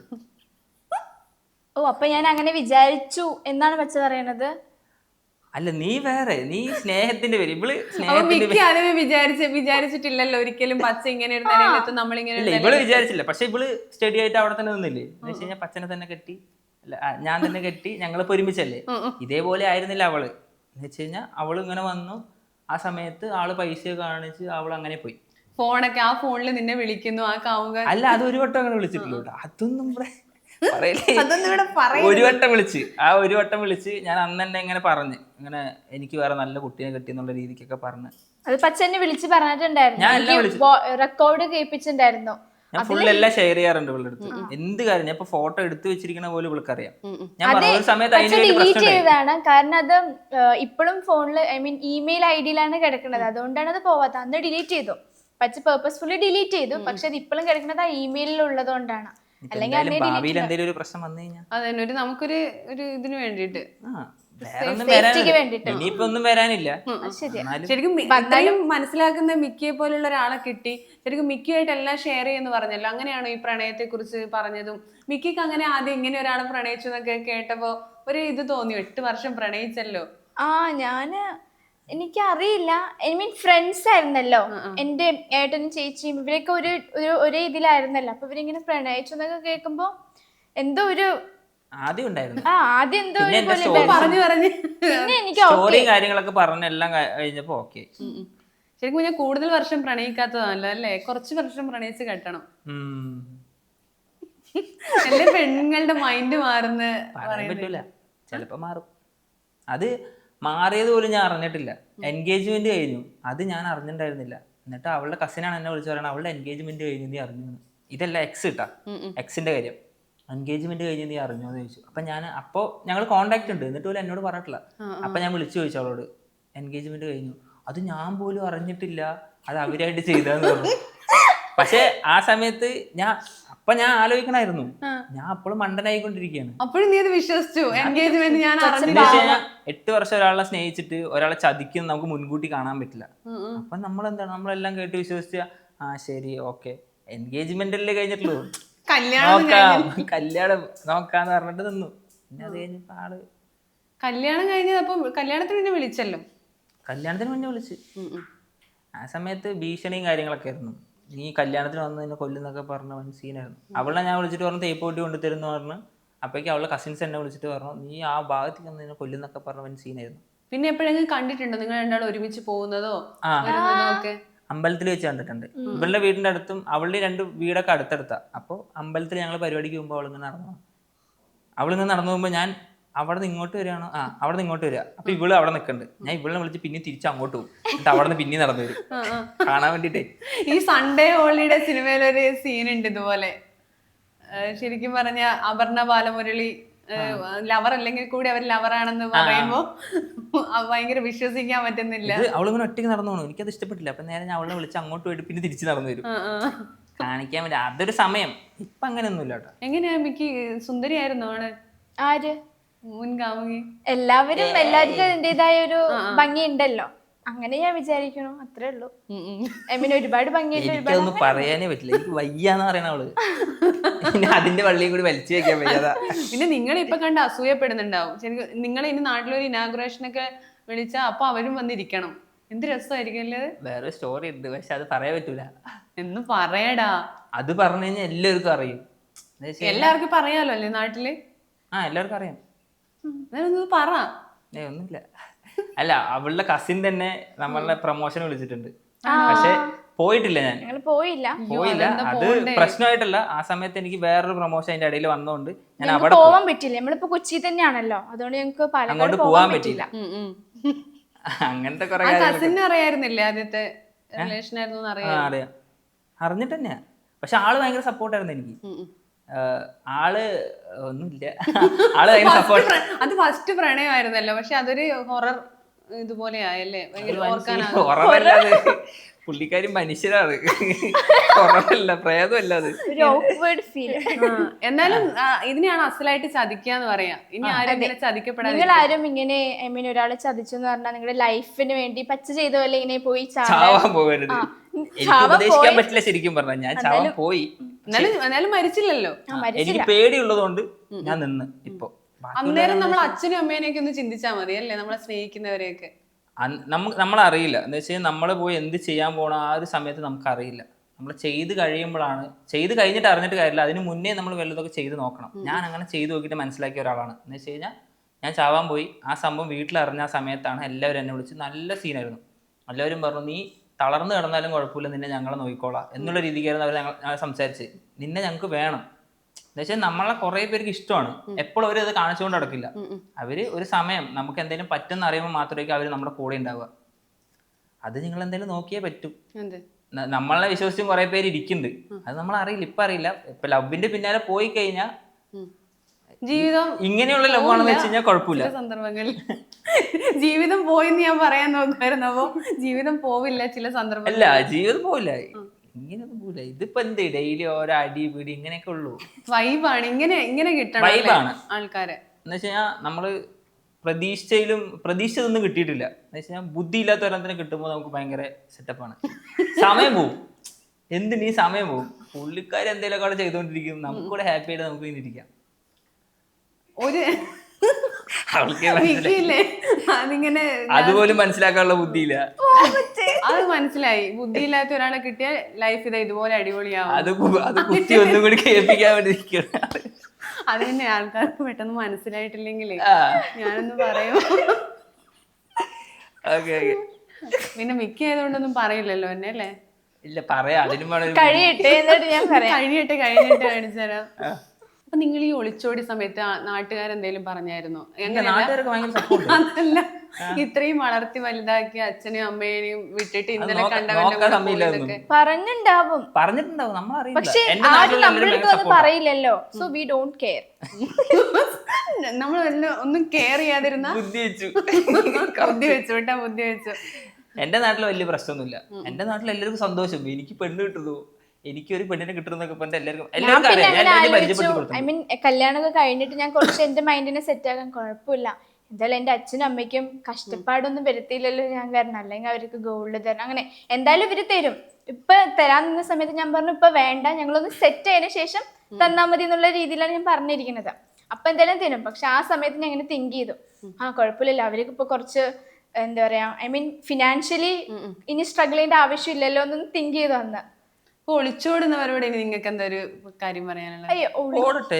C: ഓ, അപ്പൊ ഞാൻ അങ്ങനെ വിചാരിച്ചു എന്നാണ് പച്ച പറയണത്?
B: അല്ല, നീ വേറെ, നീ സ്നേഹത്തിന്റെ പേര്, ഇവള്
A: വിചാരിച്ചിട്ടില്ലല്ലോ ഒരിക്കലും പച്ച ഇങ്ങനെ ഒരു നിലയിലെത്തും നമ്മളിങ്ങനെ.
B: ഇവള് വിചാരിച്ചില്ല. പക്ഷെ ഇവള് സ്റ്റഡി ആയിട്ട് അവിടെ തന്നെ നിന്നില്ലേ. എന്ന് വെച്ച് കഴിഞ്ഞാൽ പച്ചനെ തന്നെ കെട്ടി, ഞാൻ തന്നെ കെട്ടി, ഞങ്ങളിപ്പോ ഒരുമിച്ചല്ലേ. ഇതേപോലെ ആയിരുന്നില്ല അവള്. എന്ന് വെച്ച് കഴിഞ്ഞാൽ അവള് ഇങ്ങനെ വന്നു, ആ സമയത്ത് ആള് പൈസ കാണിച്ച് അവൾ അങ്ങനെ പോയി.
A: ഫോണൊക്കെ ആ ഫോണിൽ നിന്നെ വിളിക്കുന്നു ആ കാമുക.
B: അല്ല, അത് ഒരു വട്ടം അങ്ങനെ വിളിച്ചിട്ടില്ല. അതൊന്നും ഇവിടെ
A: ഒരു
B: വട്ടം വിളിച്ച് ഞാൻ അന്ന് തന്നെ ഇങ്ങനെ പറഞ്ഞ്, ഇങ്ങനെ എനിക്ക് വേറെ നല്ല കുട്ടീനെ കിട്ടി എന്നുള്ള രീതിക്കൊക്കെ പറഞ്ഞ്.
C: അത് പച്ചനെ വിളിച്ച് പറഞ്ഞിട്ടുണ്ടായിരുന്നു, റെക്കോർഡ് കേൾപ്പിച്ചിട്ടുണ്ടായിരുന്നു.
B: ഞാൻ ഫുൾ എല്ലാം ഷെയർ ചെയ്യാറുണ്ട് ഇവളുടെ അടുത്ത്. എന്ത് കാര്യം ഞാൻ ഇപ്പൊ ഫോട്ടോ എടുത്തു വെച്ചിരിക്കുന്ന പോലും ഇവൾക്കറിയാം. ഞാൻ ഒരു സമയത്ത്
C: ഡിലീറ്റ് ചെയ്തതാണ്. കാരണം അത് ഇപ്പോഴും ഫോണില്, ഐ മീൻ ഇമെയിൽ ഐഡിയിലാണ് കിടക്കുന്നത്. അതുകൊണ്ടാണ് അത് പോവാത്ത. അന്ന് ഡിലീറ്റ് ചെയ്തു, പച്ച പേർപ്പസ്ഫുള്ളി ഡിലീറ്റ് ചെയ്തു. പക്ഷെ അത് ഇപ്പോഴും കിടക്കുന്നത് ആ ഇമെയിലിൽ ഉള്ളതുകൊണ്ടാണ്. അല്ലെങ്കിൽ
B: എന്തെങ്കിലും ഒരു പ്രശ്നം വന്നു കഴിഞ്ഞാൽ
A: അതന്നെ നമുക്കൊരു ഇതിന് വേണ്ടിട്ട്
B: ഇനിയിപ്പോ ഒന്നും വരാനില്ല.
A: ശരിക്കും എന്തായാലും മനസ്സിലാക്കുന്ന മിക്കിയെ പോലുള്ള ഒരാളെ കിട്ടി. ശരിക്കും മിക്കിയായിട്ട് എല്ലാം ഷെയർ ചെയ്യുന്നു പറഞ്ഞല്ലോ. അങ്ങനെയാണോ ഈ പ്രണയത്തെ കുറിച്ച് പറഞ്ഞതും? മിക്കിക്ക് അങ്ങനെ ആദ്യം ഇങ്ങനെ ഒരാളെ പ്രണയിച്ചു എന്നൊക്കെ കേട്ടപ്പോ ഒരു ഇത് തോന്നി, 8 വർഷം പ്രണയിച്ചല്ലോ.
C: എനിക്കറിയില്ല, ഐ മീൻ ഫ്രണ്ട്സ് ആയിരുന്നല്ലോ എന്റെ ഏട്ടനും ചേച്ചിയും, ഇവരൊക്കെ ഒരേ ഇതിലായിരുന്നല്ലോ. അപ്പൊ ഇവരിങ്ങനെ പ്രണയിച്ചു എന്നൊക്കെ കേൾക്കുമ്പോ എന്തോ ഒരു
B: ആദ്യം ഉണ്ടായിരുന്നു.
C: ആദ്യം എന്തോ
A: പിന്നെ
C: എനിക്ക്
B: കാര്യങ്ങളൊക്കെ പറഞ്ഞെല്ലാം കഴിഞ്ഞപ്പോ ഓക്കെ.
A: ശരിക്കും ഞാൻ കൂടുതൽ വർഷം പ്രണയിക്കാത്തതാണല്ലോ അല്ലേ? കുറച്ച് വർഷം പ്രണയിച്ച് കെട്ടണം. എന്റെ പെണ്ണുങ്ങളുടെ മൈൻഡ് മാറുന്ന
B: പറയാൻ പറ്റൂല, ചിലപ്പോ മാറും. അത് മാറിയത് പോലും ഞാൻ അറിഞ്ഞിട്ടില്ല. എൻഗേജ്മെന്റ് കഴിഞ്ഞു, അത് ഞാൻ അറിഞ്ഞിട്ടുണ്ടായിരുന്നില്ല. എന്നിട്ട് അവളുടെ കസിനാണ് എന്നെ വിളിച്ചു പറയണത്, അവളുടെ എൻഗേജ്മെന്റ് കഴിഞ്ഞു, നീ അറിഞ്ഞു? ഇതല്ല എക്സ് കിട്ടാ, എക്സിന്റെ കാര്യം. എൻഗേജ്മെന്റ് കഴിഞ്ഞ് നീ അറിഞ്ഞോ എന്ന് ചോദിച്ചു. അപ്പൊ ഞങ്ങൾ കോണ്ടാക്ട് ഉണ്ട്, എന്നിട്ട് പോലും എന്നോട് പറഞ്ഞിട്ടില്ല. അപ്പൊ ഞാൻ വിളിച്ചു ചോദിച്ചു അവളോട്, എൻഗേജ്മെന്റ് കഴിഞ്ഞു, അത് ഞാൻ പോലും അറിഞ്ഞിട്ടില്ല, അത് അവരായിട്ട് ചെയ്തതെന്ന് പറഞ്ഞു. പക്ഷെ ആ സമയത്ത് ഞാൻ അപ്പൊ ഞാൻ ആലോചിക്കണായിരുന്നു, ഞാൻ അപ്പോഴും മണ്ടനായിക്കൊണ്ടിരിക്കുകയാണ്.
A: അപ്പോഴും നീ അത് വിശ്വസിച്ചു എൻഗേജ്മെന്റ് ഞാൻ
B: എന്താ വെച്ച് കഴിഞ്ഞാൽ 8 വർഷം ഒരാളെ സ്നേഹിച്ചിട്ട് ഒരാളെ ചതിക്കുന്ന നമുക്ക് മുൻകൂട്ടി കാണാൻ പറ്റില്ല. അപ്പൊ നമ്മളെന്താണ്, നമ്മളെല്ലാം കേട്ട് വിശ്വസിച്ച ആ ശരി ഓക്കെ എൻഗേജ്മെന്റല്ലേ കഴിഞ്ഞിട്ടുള്ളൂ, കല്യാണം നോക്കാന്ന് പറഞ്ഞിട്ട് നിന്നു. പിന്നെ അത് കഴിഞ്ഞപ്പോ ആള്
A: കല്യാണം കഴിഞ്ഞത്. അപ്പം കല്യാണത്തിന് പിന്നെ വിളിച്ചല്ലോ?
B: കല്യാണത്തിന് മുന്നേ വിളിച്ച്. ആ സമയത്ത് ഭീഷണിയും കാര്യങ്ങളൊക്കെ ആയിരുന്നു. നീ കല്യാണത്തിന് വന്ന് നിന്നെ കൊല്ലുന്നൊക്കെ പറഞ്ഞ വൻ സീനായിരുന്നു. അവളെ ഞാൻ വിളിച്ചിട്ട് പറഞ്ഞു തേപ്പ് പൊട്ടി കൊണ്ടുതരുന്നു പറഞ്ഞു. അപ്പോഴേക്കും അവളുടെ കസിൻസ് എന്നെ വിളിച്ചിട്ട് പറഞ്ഞു നീ ആ ഭാഗത്തേക്ക് വന്ന് നിന്നെ കൊല്ലുന്നൊക്കെ പറഞ്ഞ വൻ സീനായിരുന്നു.
A: പിന്നെ എപ്പോഴെങ്കിലും കണ്ടിട്ടുണ്ടോ നിങ്ങൾ രണ്ടാളും ഒരുമിച്ച് പോകുന്നതോ വരുന്നതോ ഒക്കെ?
B: അമ്പലത്തിൽ വെച്ച് കണ്ടിട്ടുണ്ട്. ഇവളുടെ വീടിന്റെ അടുത്തും അവളുടെ 2 വീടൊക്കെ അടുത്തടുത്താ. അപ്പോൾ അമ്പലത്തിൽ ഞങ്ങൾ പരിപാടിക്ക് പോകുമ്പോൾ അവളിങ്ങനെ നടന്നു പോകുമ്പോൾ ഞാൻ അവിടെ നിന്ന് ഇങ്ങോട്ട് വരികയാണോ, അവിടെ നിന്ന് ഇങ്ങോട്ട് വരിക. അപ്പൊ ഇവള് അവിടെ നിൽക്കുന്നുണ്ട്. ഞാൻ ഇവളെ വിളിച്ച് പിന്നെ തിരിച്ച് അങ്ങോട്ട് പോകും. എന്നിട്ട് അവിടെ നിന്ന് പിന്നെ നടന്നു വരും കാണാൻ വേണ്ടിട്ടേ.
A: ഈ സൺഡേ ഹോളിഡേ സിനിമയിലൊരു സീൻ ഉണ്ട് ഇതുപോലെ. ശരിക്കും പറഞ്ഞ അപർണ ബാലമുരളി ലവർ അല്ലെങ്കിൽ കൂടി അവർ ലവറാണെന്ന് പറയുമ്പോ ഭയങ്കര വിശ്വസിക്കാൻ പറ്റുന്നില്ല.
B: അവളിങ്ങനെ ഒറ്റയ്ക്ക് നടന്നു പോകണം, എനിക്കത് ഇഷ്ടപ്പെട്ടില്ല. അപ്പൊ നേരെ ഞാൻ അവളെ വിളിച്ച് അങ്ങോട്ട് പോയിട്ട് പിന്നെ തിരിച്ച് നടന്നു വരും കാണിക്കാൻ വേണ്ടി. അതൊരു സമയം. ഇപ്പൊ അങ്ങനെയൊന്നുമില്ല കേട്ടോ.
A: എങ്ങനെയാ മിക്ക് സുന്ദരിയായിരുന്നു ആണ്?
C: ആര്?
A: മുൻകാമുകി?
C: എല്ലാവർക്കും അതിൻ്റെതായ ഒരു ഭംഗി ഉണ്ടല്ലോ, അങ്ങനെ ഞാൻ വിചാരിക്കണു, അത്രേ ഉള്ളൂ. ഐ മീൻ ഒരുപാട് ഭംഗിയായിട്ട്
B: എനിക്കൊന്നും പറയാനേ പറ്റില്ല, എനിക്ക് വയ്യാന്ന് പറയണ അവള്. പിന്നെ അതിന്റെ വള്ളിയും കൂടി വലിച്ചു വെക്കാൻ വയ്യാതാ.
A: പിന്നെ നിങ്ങൾ ഇപ്പൊ കണ്ട് അസൂയപ്പെടുന്നുണ്ടാവും ശരിക്കും. നിങ്ങൾ ഇനി നാട്ടിലൊരു ഇനാഗുറേഷൻ ഒക്കെ വിളിച്ചാ അപ്പൊ അവരും വന്നിരിക്കണം. എന്ത് രസമായിരിക്കും അല്ലേ?
B: വേറെ സ്റ്റോറി ഉണ്ട്, പക്ഷെ അത് പറയാൻ പറ്റൂല.
A: എന്ന് പറയടാ.
B: അത് പറഞ്ഞു കഴിഞ്ഞാൽ എല്ലാവർക്കും അറിയും.
A: എല്ലാവർക്കും പറയാലോ അല്ലേ നാട്ടില്?
B: എല്ലാവർക്കും അറിയാം.
A: പറ.
B: ഒന്നുമില്ല. അല്ല, അവളുടെ കസിൻ തന്നെ നമ്മളുടെ പ്രൊമോഷൻ വിളിച്ചിട്ടുണ്ട്, പക്ഷെ പോയിട്ടില്ല. ഞാൻ പോയില്ല. അത് പ്രശ്നമായിട്ടല്ല. ആ സമയത്ത് എനിക്ക് വേറൊരു പ്രൊമോഷൻ അതിന്റെ ഇടയിൽ വന്നോണ്ട് ഞാൻ അവിടെ
C: പോവാൻ പറ്റില്ല. നമ്മളിപ്പോ കൊച്ചി തന്നെയാണല്ലോ, അതുകൊണ്ട് ഞങ്ങൾക്ക്
B: അങ്ങോട്ട് പോവാൻ പറ്റില്ല. അങ്ങനത്തെ കുറെ
A: കസിനെ അറിയായിരുന്നില്ലേ? ആദ്യത്തെ റിലേഷൻ ആയിരുന്നു
B: അറിയാം, അറിഞ്ഞിട്ട് തന്നെയാ. പക്ഷെ ആള് ഭയങ്കര സപ്പോർട്ടായിരുന്നു എനിക്ക്. ആള് ഒന്നുമില്ല, ആള് ഭയങ്കര സപ്പോർട്ട്.
A: അത് ഫസ്റ്റ് പ്രണയമായിരുന്നല്ലോ, പക്ഷെ അതൊരു ഹൊറർ ഇതുപോലെ ആയല്ലേ?
B: ഹൊററല്ലാതെ പുള്ളിക്കാരി മനുഷ്യരാണ്, ഹൊററല്ല, പ്രേതമല്ല. അത്
A: എന്നാലും ഇതിനെയാണ് അസലായിട്ട് ചതിക്കാന്ന് പറയാ. ഇനി ആരും ചതിക്കപ്പെടാൻ.
C: നിങ്ങൾ ആരും ഇങ്ങനെ ഐ മീൻ ഒരാളെ ചതിച്ചെന്ന് പറഞ്ഞാൽ നിങ്ങളുടെ ലൈഫിന് വേണ്ടി പച്ച ചെയ്ത പോലെ ഇങ്ങനെ പോയി
B: ചാവാൻ പോകരുത്. എനിക്ക് ഉപദേശിക്കാൻ പറ്റില്ല ശരിക്കും പറഞ്ഞാൽ. ഞാൻ ചാവാൻ പോയി,
A: എന്നാലും മരിച്ചില്ലല്ലോ.
B: എനിക്ക് പേടിയുള്ളതുകൊണ്ട് ഞാൻ നിന്ന്. ഇപ്പൊ
A: അന്നേരം നമ്മൾ അച്ഛനും അമ്മേനെയൊക്കെ ഒന്ന് ചിന്തിച്ചാൽ മതി അല്ലേ, നമ്മളെ സ്നേഹിക്കുന്നവരെയൊക്കെ.
B: നമ്മളറിയില്ല എന്താ വെച്ചാൽ നമ്മൾ പോയി എന്ത് ചെയ്യാൻ പോണ ആ ഒരു സമയത്ത് നമുക്കറിയില്ല. നമ്മൾ ചെയ്ത് കഴിയുമ്പോഴാണ്, ചെയ്ത് കഴിഞ്ഞിട്ട് അറിഞ്ഞിട്ട് കാര്യമില്ല, അതിന് മുന്നേ നമ്മൾ വല്ലതൊക്കെ ചെയ്ത് നോക്കണം. ഞാൻ അങ്ങനെ ചെയ്ത് നോക്കിയിട്ട് മനസ്സിലാക്കിയ ഒരാളാണ്. എന്ന് വെച്ച് കഴിഞ്ഞാൽ ഞാൻ ചാവാൻ പോയി, ആ സംഭവം വീട്ടിലറിഞ്ഞ ആ സമയത്താണ് എല്ലാവരും എന്നെ വിളിച്ച് നല്ല സീനായിരുന്നു. എല്ലാവരും പറഞ്ഞു നീ തളർന്നു കിടന്നാലും കുഴപ്പമില്ല, നിന്നെ ഞങ്ങളെ നോക്കിക്കോളാം എന്നുള്ള രീതിക്കായിരുന്നു അവർ ഞങ്ങൾ സംസാരിച്ച്. നിന്നെ ഞങ്ങൾക്ക് വേണം എന്ന് വെച്ചാൽ നമ്മളെ കുറെ പേർക്ക് ഇഷ്ടമാണ്. എപ്പോഴും അവർ അത് കാണിച്ചുകൊണ്ട് നടക്കില്ല. അവര് ഒരു സമയം നമുക്ക് എന്തെങ്കിലും പറ്റുന്ന അറിയുമ്പോൾ മാത്രമേ അവര് നമ്മുടെ കൂടെ ഉണ്ടാവുക. അത് നിങ്ങൾ എന്തെങ്കിലും നോക്കിയേ പറ്റൂ. നമ്മളെ വിശ്വസിച്ചും കുറെ പേര് ഇരിക്കുന്നുണ്ട്, അത് നമ്മൾ അറിയില്ല. ഇപ്പൊ അറിയില്ല. ഇപ്പൊ ലവിന്റെ പിന്നാലെ പോയി കഴിഞ്ഞാൽ
A: ജീവിതം
B: ഇങ്ങനെയുള്ള ലവ് ആണെന്ന് വെച്ച് കഴിഞ്ഞാൽ കുഴപ്പമില്ല.
A: സന്ദർഭങ്ങളിൽ ജീവിതം പോയിന്ന് ഞാൻ പറയാൻ നോക്കുമായിരുന്നു. അപ്പൊ ജീവിതം പോവില്ല ചില സന്ദർഭം.
B: അല്ല, ജീവിതം പോവില്ല, ഇങ്ങനെയൊന്നും പോവില്ല. ഇതിപ്പോ എന്ത് ഡെയിലി ഓരോ അടി പിടി ഇങ്ങനെയൊക്കെ ഉള്ളൂ.
A: വൈബാണ്, ഇങ്ങനെ കിട്ടണം.
B: വൈബാണ്
A: ആൾക്കാരെ
B: എന്ന് വെച്ച് കഴിഞ്ഞാൽ നമ്മള് പ്രതീക്ഷിച്ചതൊന്നും കിട്ടിയിട്ടില്ല. എന്ന് വെച്ച് കഴിഞ്ഞാൽ ബുദ്ധി ഇല്ലാത്ത ഒരെണ്ണത്തിന് കിട്ടുമ്പോൾ നമുക്ക് ഭയങ്കര സെറ്റപ്പാണ്. സമയം പോവും, എന്തിനീ സമയം പോവും. പുള്ളിക്കാർ എന്തെങ്കിലുമൊക്കെ അവിടെ ചെയ്തുകൊണ്ടിരിക്കും, നമുക്കൂടെ ഹാപ്പി ആയിട്ട് നമുക്ക് ഇങ്ങനെ ഇരിക്കാം.
A: ഒരു അതിങ്ങനെ
B: അതുപോലും മനസ്സിലാക്കാനുള്ള ബുദ്ധിയില്ല.
A: അത് മനസ്സിലായി. ബുദ്ധിയില്ലാത്ത ഒരാളെ കിട്ടിയ ലൈഫ് ഇതുപോലെ അടിപൊളിയാവും.
B: അത് കുത്തി ഒന്നും കൂടി കേൾപ്പിക്കാൻ വേണ്ടി.
A: അത് തന്നെ ആൾക്കാർക്ക് പെട്ടെന്ന് മനസ്സിലായിട്ടില്ലെങ്കിലേ ഞാനൊന്ന് പറയും. പിന്നെ മിക്ക ആയതുകൊണ്ടൊന്നും പറയില്ലല്ലോ എന്നെ അല്ലേ?
B: ഇല്ല, പറയാ. അതിനും
A: കഴിഞ്ഞിട്ട് കാണിച്ചു തരാം. അപ്പൊ നിങ്ങൾ ഈ ഒളിച്ചോടി സമയത്ത് നാട്ടുകാരെന്തേലും പറഞ്ഞായിരുന്നു? അതല്ല, ഇത്രയും വളർത്തി വലുതാക്കി അച്ഛനെയും അമ്മേനെയും വിട്ടിട്ട് ഇന്നലെ കണ്ടവന്റെ
C: പറഞ്ഞിട്ടുണ്ടാവും. പക്ഷെ ആരും നമ്മുടെ അടുത്ത് പറയില്ലല്ലോ. So we don't care.
A: നമ്മൾ ഒന്നും കെയർ ചെയ്യാതിരുന്ന ബുദ്ധി വെച്ചു.
B: എന്റെ നാട്ടിൽ വലിയ പ്രശ്നമൊന്നുമില്ല. എന്റെ നാട്ടിൽ എല്ലാവർക്കും സന്തോഷം. എനിക്ക് പെണ്ണ് കിട്ടുന്നു, എനിക്കൊരു പെണ്ണിനെ കിട്ടുന്നൊക്കെ പറഞ്ഞിട്ട് എല്ലാവർക്കും
C: ഞാൻ പിന്നെ
B: അറിയാം.
C: അങ്ങനെ
B: ഞാൻ
C: ആലോചിച്ചു,
B: പരിചയപ്പെടുത്തി കൊടുത്തു.
C: ഐ മീൻ കല്യാണമൊക്കെ കഴിഞ്ഞിട്ട് ഞാൻ കുറച്ച് എന്റെ മൈൻഡിനെ സെറ്റ് ആക്കാൻ കുഴപ്പമില്ല, എന്തായാലും എന്റെ അച്ഛനും അമ്മയ്ക്കും കഷ്ടപ്പാടൊന്നും വരുത്തിയില്ലല്ലോ ഞാൻ കാരണം, അല്ലെങ്കിൽ അവർക്ക് ഗോൾഡ് തരണം, അങ്ങനെ എന്തായാലും ഇവര് തരും. ഇപ്പൊ തരാൻ നിന്ന സമയത്ത് ഞാൻ പറഞ്ഞു ഇപ്പൊ വേണ്ട, ഞങ്ങളൊന്ന് സെറ്റ് ആയതിനു ശേഷം തന്നാ മതി എന്നുള്ള രീതിയിലാണ് ഞാൻ പറഞ്ഞിരിക്കുന്നത്. അപ്പൊ എന്തായാലും തരും. പക്ഷെ ആ സമയത്ത് ഞാൻ ഇങ്ങനെ തിങ്ക് ചെയ്തു, കുഴപ്പമില്ലല്ലോ, അവർക്ക് ഇപ്പൊ കുറച്ച് എന്താ പറയാ, ഐ മീൻ ഫിനാൻഷ്യലി ഇനി സ്ട്രഗിൾ ചെയ്യേണ്ട ആവശ്യമില്ലല്ലോ എന്നൊന്ന് തിങ്ക് ചെയ്തു അന്ന്.
A: ഒളിച്ചോടുന്നവരോട് ഇനി നിങ്ങൾക്ക് എന്താ ഒരു കാര്യം പറയാനുള്ളത്?
C: അയ്യോ
B: ഓടട്ടെ,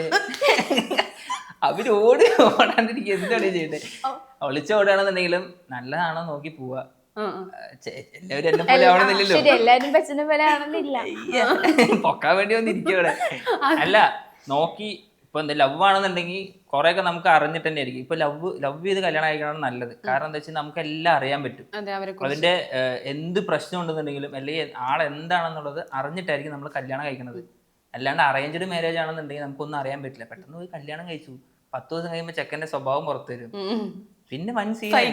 B: അവര് ഓടാണ്ടിരിക്കുക, എന്താണ് ചെയ്യട്ടെ. ഒളിച്ചോടുകയാണെന്നുണ്ടെങ്കിലും നല്ലതാണോ നോക്കി പോവാ. എല്ലാവരും എന്നെ പോലെ ആവണമെന്നില്ലല്ലോ,
C: ശരി, എല്ലാരും പച്ചനെ പോലെ ആണെന്നില്ല,
B: പൊക്കാൻ വേണ്ടി വന്നിരിക്കവിടെ. അല്ല നോക്കി ഇപ്പൊ എന്താ ലവ് ആണെന്നുണ്ടെങ്കിൽ കുറെയൊക്കെ നമുക്ക് അറിഞ്ഞിട്ട് തന്നെ ആയിരിക്കും. ഇപ്പൊ ലവ് ചെയ്ത് കല്യാണം കഴിക്കണം നല്ലത്. കാരണം എന്താ വെച്ചാൽ നമുക്ക് എല്ലാം അറിയാൻ പറ്റും. അതിന്റെ എന്ത് പ്രശ്നം ഉണ്ടെന്നുണ്ടെങ്കിലും അല്ലെങ്കിൽ ആളെന്താണെന്നുള്ളത് അറിഞ്ഞിട്ടായിരിക്കും നമ്മൾ കല്യാണം കഴിക്കുന്നത്. അല്ലാണ്ട് അറേഞ്ച്ഡ് മാരേജ് ആണെന്നുണ്ടെങ്കിൽ നമുക്കൊന്നും അറിയാൻ പറ്റില്ല. പെട്ടെന്ന് പോയി കല്യാണം കഴിച്ചു, 10 ദിവസം കഴിയുമ്പോൾ ചെക്കന്റെ സ്വഭാവം പുറത്തു വരും, പിന്നെ വൻ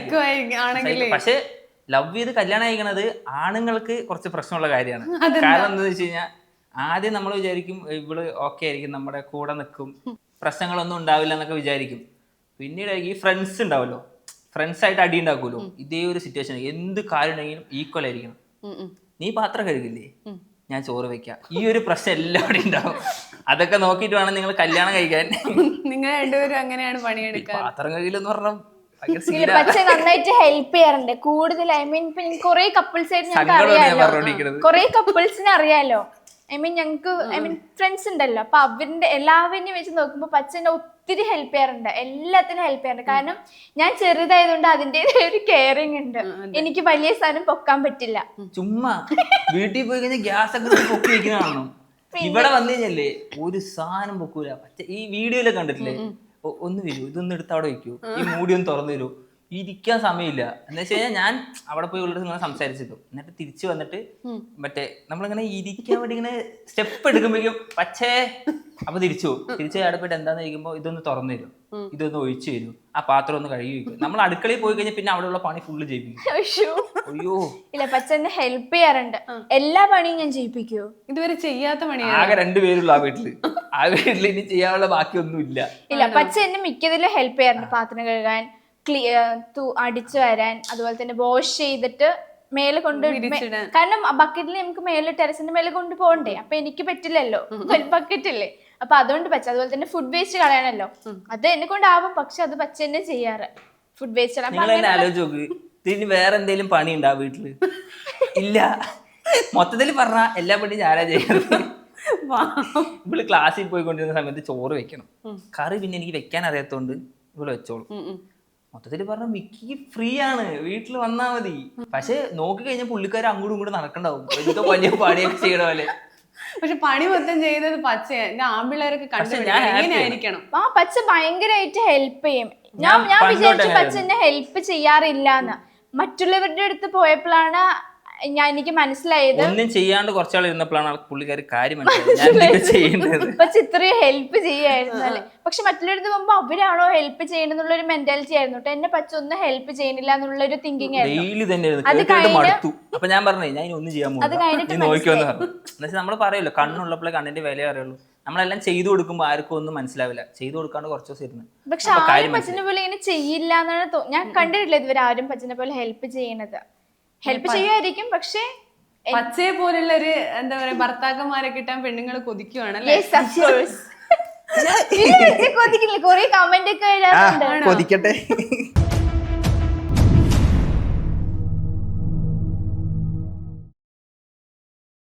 B: സീൻ. പക്ഷെ ലവ് ചെയ്ത് കല്യാണം കഴിക്കണത് ആണുങ്ങൾക്ക് കുറച്ച് പ്രശ്നമുള്ള കാര്യമാണ്. കാരണം എന്താണെന്ന് വെച്ച് കഴിഞ്ഞാൽ ആദ്യം നമ്മൾ വിചാരിക്കും ഇവള് ഓക്കെ ആയിരിക്കും, നമ്മുടെ കൂടെ നിൽക്കും, പ്രശ്നങ്ങളൊന്നും ഉണ്ടാവില്ല എന്നൊക്കെ വിചാരിക്കും. പിന്നീട് ഈ ഫ്രണ്ട്സ് ഉണ്ടാവല്ലോ, ഫ്രണ്ട്സ് ആയിട്ട് അടി ഉണ്ടാക്കുമല്ലോ, ഇതേ ഒരു സിറ്റുവേഷൻ എന്ത് കാര്യം ഉണ്ടെങ്കിലും ഈക്വൽ ആയിരിക്കണം. നീ പാത്രം കഴുകില്ലേ, ഞാൻ ചോറ് വെക്കാം, ഈ ഒരു പ്രശ്നം എല്ലാവരും ഉണ്ടാവും. അതൊക്കെ നോക്കിയിട്ട് വേണം നിങ്ങൾ കല്യാണം കഴിക്കാൻ.
A: നിങ്ങൾ രണ്ടുപേരും അങ്ങനെയാണ് പണിയെടുക്കുക.
B: പാത്രം കഴുകില്ലെന്ന് പറഞ്ഞാൽ
C: പക്ഷെ നന്നായിട്ട് ഹെൽപ്പ് ചെയ്യാറുണ്ട് കൂടുതൽ. ഐ മീൻ ഇപ്പൊ കുറെ കപ്പിൾസ് ആയിട്ട് ഞങ്ങൾക്ക് അറിയാലോ, കുറെ കപ്പിൾസിനെ അറിയാലോ. ഐ മീൻ ഞങ്ങൾക്ക് ഐ മീൻ ഫ്രണ്ട്സ് ഉണ്ടല്ലോ, അപ്പൊ അവരുടെ എല്ലാവരെയും വെച്ച് നോക്കുമ്പോ പച്ചനെ ഒത്തിരി ഹെൽപ്പ് ചെയ്യാറുണ്ട്, എല്ലാത്തിനും ഹെൽപ്പ് ചെയ്യാറുണ്ട്. കാരണം ഞാൻ ചെറുതായതുകൊണ്ട് അതിൻ്റെതായ ഒരു കെയറിങ് ഉണ്ട്. എനിക്ക് വലിയ സാധനം പൊക്കാൻ പറ്റില്ല.
B: ചുമ്മാ വീട്ടിൽ പോയി കഴിഞ്ഞാൽ ഗ്യാസ് ഒക്കെ പൊക്കി വെക്കുന്നതാണോ? ഇവിടെ വന്നു കഴിഞ്ഞല്ലേ ഒരു സാധനം പൊക്കൂല. ഈ വീഡിയോയിലൊക്കെ കണ്ടിട്ടില്ലേ, ഒന്ന് വരൂ, ഇതൊന്നും എടുത്ത് അവിടെ വെക്കൂ, ഈ മൂടി ഒന്ന് തുറന്നു തരൂ, ഇരിക്കാൻ സമയമില്ല. എന്ന് വെച്ച് കഴിഞ്ഞാൽ ഞാൻ അവിടെ പോയി ഉള്ളത് ഇങ്ങനെ സംസാരിച്ചിട്ടു, എന്നിട്ട് തിരിച്ചു വന്നിട്ട് മറ്റേ നമ്മളിങ്ങനെ ഇരിക്കാൻ വേണ്ടി ഇങ്ങനെ സ്റ്റെപ്പ് എടുക്കുമ്പോഴേക്കും പക്ഷേ അപ്പൊ തിരിച്ചു അവിടെ പോയിട്ട് എന്താന്ന് ചോദിക്കുമ്പോൾ ഇതൊന്ന് തുറന്നു തരും, ഇതൊന്ന് ഒഴിച്ചു തരൂ, ആ പാത്രം ഒന്ന് കഴുകി വെക്കും. നമ്മൾ അടുക്കളയിൽ പോയി കഴിഞ്ഞാൽ പിന്നെ അവിടെയുള്ള പണി ഫുള്ള് ചെയ്യിപ്പിക്കും. അയ്യോ
C: ഇല്ല, പച്ചനെ ഹെൽപ്പ് ചെയ്യാറുണ്ട്, എല്ലാ പണിയും ഞാൻ ചെയ്യിപ്പിക്കൂ.
A: ഇതുവരെ ചെയ്യാത്ത പണിയാണ്.
B: ആകെ 2 പേരുള്ളൂ ആ വീട്ടിൽ ഇനി ചെയ്യാനുള്ള ബാക്കിയൊന്നും ഇല്ല.
C: ഇല്ല, പച്ച എന്നെ മിക്കതിലും ഹെൽപ്പ് ചെയ്യാറുണ്ട്. പാത്രം കഴുകാൻ, അടിച്ചു വരാൻ, അതുപോലെ തന്നെ വാഷ് ചെയ്തിട്ട് മേലെ കൊണ്ട്, കാരണം ബക്കറ്റിൽ നമുക്ക് മേലെ ടെറസിന്റെ മേലെ കൊണ്ട് പോകണ്ടേ, അപ്പൊ എനിക്ക് പറ്റില്ലല്ലോ, ഒരു ബക്കറ്റ് അല്ലേ, അപ്പൊ അതുകൊണ്ട് പച്ച. അതുപോലെ തന്നെ ഫുഡ് വേസ്റ്റ് കളയാനല്ലോ, അത് എന്നെ കൊണ്ടാവും, പക്ഷെ അത് പച്ച തന്നെ ചെയ്യാറ്. ഫുഡ് വേസ്റ്റ്
B: ആലോചിച്ച് നോക്ക്, ഇതിന് വേറെ എന്തെങ്കിലും പണി ഉണ്ടാ വീട്ടില്? ഇല്ല, മൊത്തത്തിൽ പറഞ്ഞ എല്ലാ പണിയും ഞാനാ ചെയ്യുന്നത്. ഇവള് ക്ലാസ്സിൽ പോയിക്കൊണ്ടിരുന്ന സമയത്ത് ചോറ് വെക്കണം, കറി പിന്നെ എനിക്ക് വെക്കാൻ അറിയാത്തോണ്ട് ഇവള് വെച്ചോളൂ. മൊത്തത്തിൽ പറഞ്ഞ മിക്കി ഫ്രീ ആണ്, വീട്ടിൽ വന്നാ മതി. പക്ഷെ നോക്കി കഴിഞ്ഞാൽ പുള്ളിക്കാർ അങ്ങോട്ടും ഇങ്ങോട്ടും നടക്കണ്ടാവും, എന്തോ വലിയ പണിയൊക്കെ ചെയ്യണ പോലെ.
A: പക്ഷെ പണി മൊത്തം ചെയ്തത് പച്ചയാണ്. ആമ്പിള്ളേരൊക്കെ കണ്ടുപിടിക്കണം.
C: ആ പച്ച ഭയങ്കരമായിട്ട് ഹെൽപ്പ് ചെയ്യും. ഞാൻ വിചാരിച്ചു പച്ച എന്നെ ഹെൽപ്പ് ചെയ്യാറില്ലാന്ന്. മറ്റുള്ളവരുടെ അടുത്ത് പോയപ്പോഴാണ് എനിക്ക് മനസ്സിലായത്,
B: ഒന്നും ചെയ്യാണ്ട് കുറച്ചാൾ ഇരുന്നപ്പോഴാണ് പുള്ളിക്കാരി കാര്യം മനസ്സിലായത്.
C: പക്ഷെ ഇത്രയും ഹെൽപ്പ് ചെയ്യായിരുന്നു അല്ലെ. പക്ഷെ മറ്റുള്ളവരുടെ പോകുമ്പോ അവരാണോ ഹെൽപ്പ് ചെയ്യണമെന്നുള്ള ഒരു മെന്റാലിറ്റി ആയിരുന്നു കേട്ടോ. എന്നെ പച്ച ഒന്നും ഹെൽപ്പ് ചെയ്യുന്നില്ല എന്നുള്ള ഒരു തിങ്കിങ് ആയിരുന്നു.
B: അത് കഴിഞ്ഞിട്ട് അപ്പൊ ഞാൻ പറഞ്ഞു ഞാൻ ഒന്നും ചെയ്യാൻ നോക്കിയോന്ന് പറഞ്ഞു. എന്നുവെച്ചാൽ നമ്മൾ പറയുമല്ലോ, കണ്ണുള്ളപ്പോഴേ കണ്ണിന്റെ വില അറിയുള്ളൂ. നമ്മളെല്ലാം ചെയ്തു കൊടുക്കുമ്പോൾ ആർക്കും ഒന്നും മനസ്സിലാവില്ല, ചെയ്തു കൊടുക്കാണ്ട് കുറച്ച് ദിവസം ഇരുന്ന്.
C: പക്ഷെ ആരും പച്ചനെ പോലെ ഇങ്ങനെ ചെയ്യില്ല എന്നാണ് ഞാൻ കണ്ടിട്ടില്ല ഇതുവരെ ആരും പച്ചനെ പോലെ ഹെൽപ്പ് ചെയ്യണത്. ഹെൽപ്പ് ചെയ്യുമായിരിക്കും, പക്ഷേ
A: പച്ചയെ പോലുള്ള ഒരു എന്താ പറയാ ഭർത്താക്കന്മാരെ കിട്ടാൻ പെണ്ണുങ്ങൾ കൊതിക്കുവാണല്ലേ?
C: കൊതിക്കില്ല, കൊറേ കമന്റ് ഒക്കെ
B: കൊതിക്കട്ടെ.